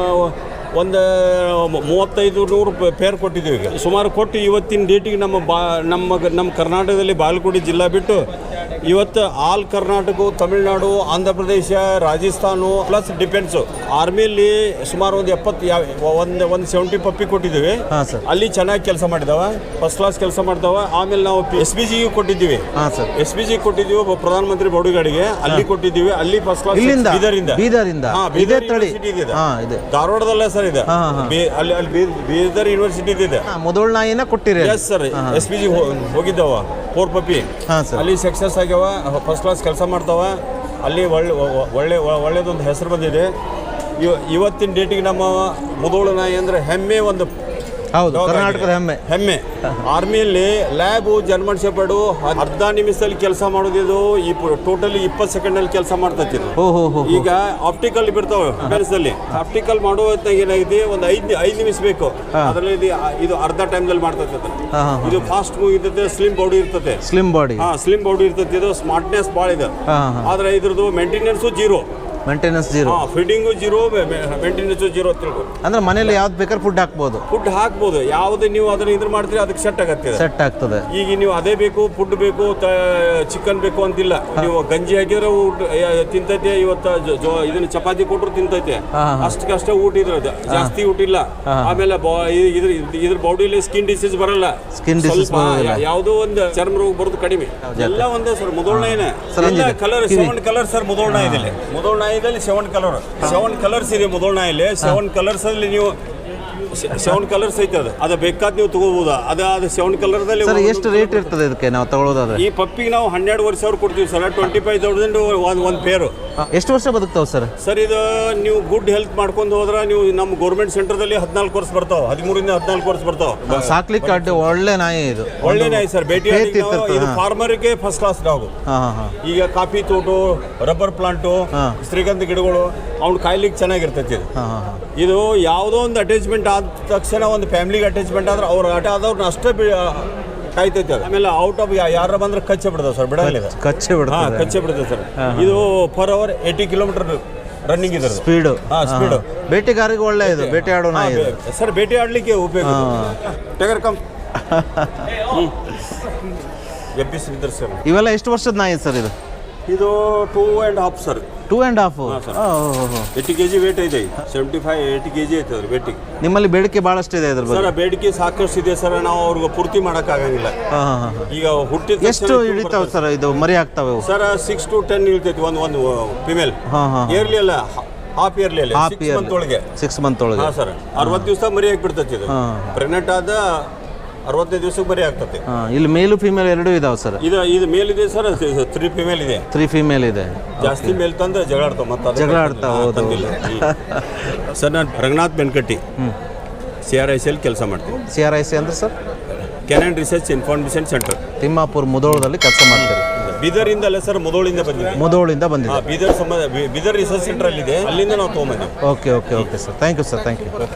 Speaker 11: ಒಂದು ಮೂವತ್ತೈದು ನೂರು ಪೇರ್ ಕೊಟ್ಟಿದ್ದೀವಿ. ಈಗ ಸುಮಾರು ಕೊಟ್ಟು ಇವತ್ತಿನ ಡೇಟಿಗೆ ನಮ್ಮ ಬಾ ನಮ್ಮ ನಮ್ಮ ಕರ್ನಾಟಕದಲ್ಲಿ ಬಾಗಲಕೋಟೆ ಜಿಲ್ಲಾ ಬಿಟ್ಟು ಇವತ್ತು ಆಲ್ ಕರ್ನಾಟಕ, ತಮಿಳುನಾಡು, ಆಂಧ್ರ ಪ್ರದೇಶ, ರಾಜಸ್ಥಾನ ಪ್ಲಸ್ ಡಿಫೆನ್ಸು ಆರ್ಮಿಯಲ್ಲಿ ಸುಮಾರು ಒಂದು ಎಪ್ಪತ್ತು ಯಾವ ಒಂದು ಒಂದು ಸೆವೆಂಟಿ ಪಪ್ಪಿ ಕೊಟ್ಟಿದ್ದೀವಿ. ಅಲ್ಲಿ ಚೆನ್ನಾಗಿ ಕೆಲಸ ಮಾಡಿದಾವೆ, ಫಸ್ಟ್ ಕ್ಲಾಸ್ ಕೆಲಸ ಮಾಡ್ತಾವೆ. ಆಮೇಲೆ ನಾವು ಎಸ್ ಬಿ ಜಿಗೆ ಕೊಟ್ಟಿದ್ದೀವಿ. ಎಸ್ ಬಿ ಜಿ ಕೊಟ್ಟಿದ್ದೀವಿ ಪ್ರಧಾನಮಂತ್ರಿ ಬೌಡಿಗಾಡಿಗೆ, ಅಲ್ಲಿ ಕೊಟ್ಟಿದ್ದೀವಿ. ಅಲ್ಲಿ ಫಸ್ಟ್ ಕ್ಲಾಸ್ ಬೀದರಿಂದ
Speaker 1: ಬೀದರಿಂದ
Speaker 11: ಯೂನಿವರ್ಸಿಟಿ ಇದೆ, ಧಾರವಾಡದಲ್ಲ ಸರ್ ಇದೆ, ಅಲ್ಲಿ ಅಲ್ಲಿ ಬೀದರ್ ಯೂನಿವರ್ಸಿಟಿ ಇದೆ.
Speaker 1: ಮೊದಲ ನಾಯಿನ ಕೊಟ್ಟಿರಿ?
Speaker 11: Yes sir, S B G ಹೋಗಿದ್ದಾವ ಫೋರ್ ಪಪ್ಪಿ, ಅಲ್ಲಿ ಸಕ್ಸಸ್ ಆಗ್ಯಾವ, ಫಸ್ಟ್ ಕ್ಲಾಸ್ ಕೆಲಸ ಮಾಡ್ತಾವ. ಅಲ್ಲಿ ಒಳ್ಳೆ ಒಳ್ಳೆ ಒಳ್ಳೆಯದೊಂದು ಹೆಸರು ಬಂದಿದೆ. ಇವತ್ತಿನ ಡೇಟಿಗೆ ನಮ್ಮ ಮುಧೋಳ ನಾಯಿ ಅಂದರೆ ಹೆಮ್ಮೆ, ಒಂದು
Speaker 1: ಹೌದು ಕರ್ನಾಟಕದ ಹೆಮ್ಮೆ
Speaker 11: ಹೆಮ್ಮೆ. ಆರ್ಮಿಯಲ್ಲಿ ಲ್ಯಾಬು ಜರ್ಮನ್ ಶೆಪರ್ಡು ಅರ್ಧ ನಿಮಿಷದಲ್ಲಿ ಕೆಲಸ ಮಾಡೋದಿದು ಈ ಟೋಟಲಿ ಇಪ್ಪತ್ತು ಸೆಕೆಂಡಲ್ಲಿ ಕೆಲಸ ಮಾಡ್ತೈತಿ. ಈಗ ಆಪ್ಟಿಕಲ್ ಬಿಡ್ತಾವೆ ಮೆನ್ಸಲ್ಲಿ, ಆಪ್ಟಿಕಲ್ ಮಾಡೋ ಹೊತ್ತಿನಾಗ ಏನಾಗಿದೆ ಒಂದು ಐದು ಐದು ನಿಮಿಷ ಬೇಕು, ಅದರಲ್ಲಿ ಇದು ಅರ್ಧ ಟೈಮ್ದಲ್ಲಿ ಮಾಡ್ತೈತೆ. ಇದು ಫಾಸ್ಟ್ ಮೂವ್ ಇರ್ತೈತೆ, ಸ್ಲಿಮ್ ಬಾಡಿ ಇರ್ತೈತೆ,
Speaker 1: ಸ್ಲಿಮ್ ಬಾಡಿ
Speaker 11: ಹಾಂ ಸ್ಲಿಮ್ ಬಾಡಿ ಇರ್ತೈತಿ. ಇದು ಸ್ಮಾರ್ಟ್ನೆಸ್ ಭಾಳ ಇದೆ, ಆದರೆ ಇದ್ರದ್ದು maintenance zero,
Speaker 1: maintenance zero,
Speaker 11: feeding zero, maintenance zero. ತಿಳ್ಕೊ
Speaker 1: ಅಂದ್ರೆ ಮನೇಲಿ ಯಾವ್ದು ಬೇಕಾದ್ರೆ ಫುಡ್ ಹಾಕ್ಬೋದು,
Speaker 11: ಫುಡ್ ಹಾಕ್ಬೋದು. ಯಾವುದೇ ನೀವು ಅದನ್ನ ಇದ್ರ ಮಾಡ್ತೀರಿ ಅದಕ್ಕೆ ಸೆಟ್ ಆಗತ್ತೆ,
Speaker 1: ಸೆಟ್ ಆಗ್ತದೆ.
Speaker 11: ಈಗ ನೀವು ಅದೇ ಬೇಕು, ಫುಡ್ ಬೇಕು, ಚಿಕನ್ ಬೇಕು ಅಂತಿಲ್ಲ. ನೀವು ಗಂಜಿ ಹಾಕಿದ್ರೆ ಊಟ ತಿಂತೈತೆ, ಇವತ್ತು ಇದನ್ನ ಚಪಾತಿ ಕೊಟ್ಟರು ತಿಂತೈತೆ, ಅಷ್ಟಕ್ಕಷ್ಟೇ ಊಟ ಇದ್ರದ್ದು, ಜಾಸ್ತಿ ಊಟ ಇಲ್ಲ. ಆಮೇಲೆ ಇದ್ರ ಇದ್ರ ಬಾಡಿಲಿ ಸ್ಕಿನ್ ಡಿಸೀಸ್ ಬರಲ್ಲ,
Speaker 1: ಸ್ಕಿನ್ ಡಿಸೀಸ್
Speaker 11: ಯಾವುದೋ ಒಂದು ಚರ್ಮ ರೋಗ ಬರೋದು ಕಡಿಮೆ. ಎಲ್ಲ ಒಂದೇ ಸರ್ ಮುಧೋಳ ನಾಯಿನೇ. ಎಲ್ಲ colour seven colour sir Mudhol ನಾಯಿದಲ್ಲಿ. ಮುಧೋಳ ನಾಯಿದಲ್ಲಿ ಸೆವೆನ್ ಕಲರ್ ಸೆವೆನ್ ಕಲರ್ಸ್ ಇದೆ ಮುಧೋಳ ನಾಯಲ್ಲಿ. ಸೆವೆನ್ ಕಲರ್ಸ್ ಅಲ್ಲಿ ನೀವು ಸೆವೆನ್ ಕಲರ್ಸ್ ಐತೆ, ಅದು ಅದು ಬೇಕಾದ ನೀವು ತಗೋಬಹುದು. ಅದು ಅದು ಸೆವೆನ್ ಕಲರ್ದಲ್ಲಿ
Speaker 1: ಎಷ್ಟು ರೇಟ್ ಇರ್ತದೆ ಇದಕ್ಕೆ ನಾವು ತಗೊಳ್ಳೋದಾದ್ರೆ?
Speaker 11: ಈ ಪಪ್ಪಿಗೆ ನಾವು ಹನ್ನೆರಡುವರೆ ಸಾವಿರ ಕೊಡ್ತೀವಿ ಸರ್, ಟ್ವೆಂಟಿ ಫೈವ್ ತೌಸಂಡ್ ಒಂದು ಒಂದು ಪೇರು.
Speaker 1: ಎಷ್ಟು ವರ್ಷ ಬದುಕ್ತಾವೆ ಸರ್?
Speaker 11: ಸರ್ ಇದು ನೀವು ಗುಡ್ ಹೆಲ್ತ್ ಮಾಡ್ಕೊಂಡು ಹೋದ್ರೆ ನೀವು ನಮ್ಮ ಗೌರ್ಮೆಂಟ್ ಸೆಂಟರ್ದಲ್ಲಿ ಹದಿನಾಲ್ಕು ವರ್ಷ ಬರ್ತಾವೆ, ಹದಿಮೂರಿಂದ ಹದಿನಾಲ್ಕು ವರ್ಷ ಬರ್ತಾವೆ.
Speaker 1: ಸಾಕ್ಲಿಕ್ಕೆ ಅಡ್ಡಿ ಒಳ್ಳೆ ನಾಯಿ ಇದು,
Speaker 11: ಒಳ್ಳೆ ನಾಯಿ ಸರ್. ಭೇಟಿ ಇದು ಫಾರ್ಮರ್ಗೆ ಫಸ್ಟ್ ಕ್ಲಾಸ್ ಡಾಗು. ಈಗ ಕಾಫಿ ತೋಟ, ರಬ್ಬರ್ ಪ್ಲಾಂಟು, ಶ್ರೀಗಂಧ ಗಿಡಗಳು ಅವ್ನು ಕಾಯ್ಲಿಕ್ಕೆ ಚೆನ್ನಾಗಿರ್ತೈತಿ. ಇದು ಯಾವುದೋ ಒಂದು ಅಟ್ಯಾಚ್ಮೆಂಟ್ ಆದ ತಕ್ಷಣ ಒಂದು ಫ್ಯಾಮಿಲಿಗೆ ಅಟ್ಯಾಚ್ಮೆಂಟ್ ಆದ್ರೆ ಅವ್ರ ಆಟ ಆದವ್ರನ್ನ ಅಷ್ಟೇ ಕಾಯ್ತೈತೆ. ಆಮೇಲೆ ಔಟ್ ಆಫ್ ಯಾರು ಬಂದ್ರೆ ಕಚ್ಚೆ ಬಿಡ್ತಾವೆ ಸರ್, ಬಿಡಲ್ಲ,
Speaker 1: ಕಚ್ಚೆ ಬಿಡ್ತಾ
Speaker 11: ಕಚ್ಚೆ ಬಿಡ್ತದೆ ಸರ್. ಇದು per hour eighty kilometre running ಇದೆ
Speaker 1: ಸ್ಪೀಡು.
Speaker 11: ಹಾಂ ಸ್ಪೀಡು.
Speaker 1: ಬೇಟೆಗಾರಿಗೆ ಒಳ್ಳೆ ಇದು, ಬೇಟೆ ಆಡೋ ನಾಯಿ
Speaker 11: ಸರ್, ಬೇಟೆ ಆಡಲಿಕ್ಕೆ ಉಪಯೋಗ. ಟಗರ್ ಕಮ್ ಎಬ್ಬಿಸಿದ್ರು ಸರ್.
Speaker 1: ಇವೆಲ್ಲ ಎಷ್ಟು ವರ್ಷದ ನಾಯಿ ಸರ್ ಇದು?
Speaker 11: ಇದು two and half sir.
Speaker 1: Two and half
Speaker 11: eighty K G weight ಇದೆ, seventy five eighty K G ಐತೆ ಅದ್ರ ವೇಟಿಗೆ.
Speaker 1: ನಿಮ್ಮಲ್ಲಿ ಬೇಡಿಕೆ ಭಾಳಷ್ಟು ಇದೆ ಅದ್ರ ಬಗ್ಗೆ?
Speaker 11: ಸರ್ ಬೇಡಿಕೆ ಸಾಕಷ್ಟು ಇದೆ ಸರ್, ನಾವು ಅವ್ರಿಗೆ ಪೂರ್ತಿ ಮಾಡೋಕ್ಕಾಗಂಗಿಲ್ಲ. ಈಗ ಹುಟ್ಟಿದ
Speaker 1: ಎಷ್ಟು ಹಿಡಿತಾವೆ ಸರ್ ಇದು ಮರಿ ಆಗ್ತಾವೆ?
Speaker 11: ಸರ್ ಸಿಕ್ಸ್ ಟು ಟೆನ್ ಇಳ್ತೈತಿ ಒಂದು ಒಂದು ಫಿಮೇಲ್. ಇಯರ್ಲಿ ಅಲ್ಲ, ಹಾಫ್ ಇಯರ್ಲಿ ಅಲ್ಲ, ಸಿಕ್ಸ್ ಮಂತ್ ಒಳಗೆ.
Speaker 1: ಸಿಕ್ಸ್ ಮಂತ್ ಒಳಗೆ
Speaker 11: ಹಾಂ ಸರ್. ಅರವತ್ತು ದಿವಸ ಮರಿ ಹಾಕ್ಬಿಡ್ತೈತಿ ಇದು. ಪ್ರೆಗ್ನೆಂಟ್ ಆದ ಅರವತ್ತೈದು ದಿವಸಕ್ಕೆ ಬರೀ ಆಗ್ತದೆ.
Speaker 1: ಇಲ್ಲಿ ಮೇಲು ಫಿಮೇಲ್ ಎರಡೂ ಇದಾವೆ ಸರ್?
Speaker 11: ಇದು ಇದು ಮೇಲ್ ಇದೆ ಸರ್, ತ್ರೀ ಫಿಮೇಲ್ ಇದೆ.
Speaker 1: ತ್ರೀ ಫಿಮೇಲ್ ಇದೆ.
Speaker 11: ಜಾಸ್ತಿ ಮೇಲ್ ತಂದ್ರೆ ಜಗಳ ಆಡ್ತಾವೆ, ಮತ್ತೆ
Speaker 1: ಜಗಳ ಆಡ್ತಾವೆ. ತಂದಿಲ್ಲ
Speaker 11: ಸರ್. ನಾನು Ranganath Benkatti, C R I C ಅಲ್ಲಿ ಕೆಲಸ ಮಾಡ್ತೀನಿ.
Speaker 1: ಸಿ ಆರ್ ಐ ಸಿ ಅಂದ್ರೆ sir
Speaker 11: canine research information centre,
Speaker 1: Thimmapura ಮುಧೋಳದಲ್ಲಿ ಕೆಲಸ ಮಾಡ್ತಾರೆ.
Speaker 11: ಬೀದರಿಂದ ಅಲ್ಲ ಸರ್, ಮುಧೋಳಿಂದ ಬಂದಿದೆ.
Speaker 1: ಮುಧೋಳಿಂದ ಬಂದಿದೆ.
Speaker 11: ಬೀದರ್ ಸಂಬಂಧ ಬೀದರ್ ರಿಸರ್ಚ್ ಸೆಂಟರ್ ಅಲ್ಲಿದೆ, ಅಲ್ಲಿಂದ ನಾವು ತೊಗೊಂಬಂದಿವಿ.
Speaker 1: Okay okay okay sir, thank you sir, thank you.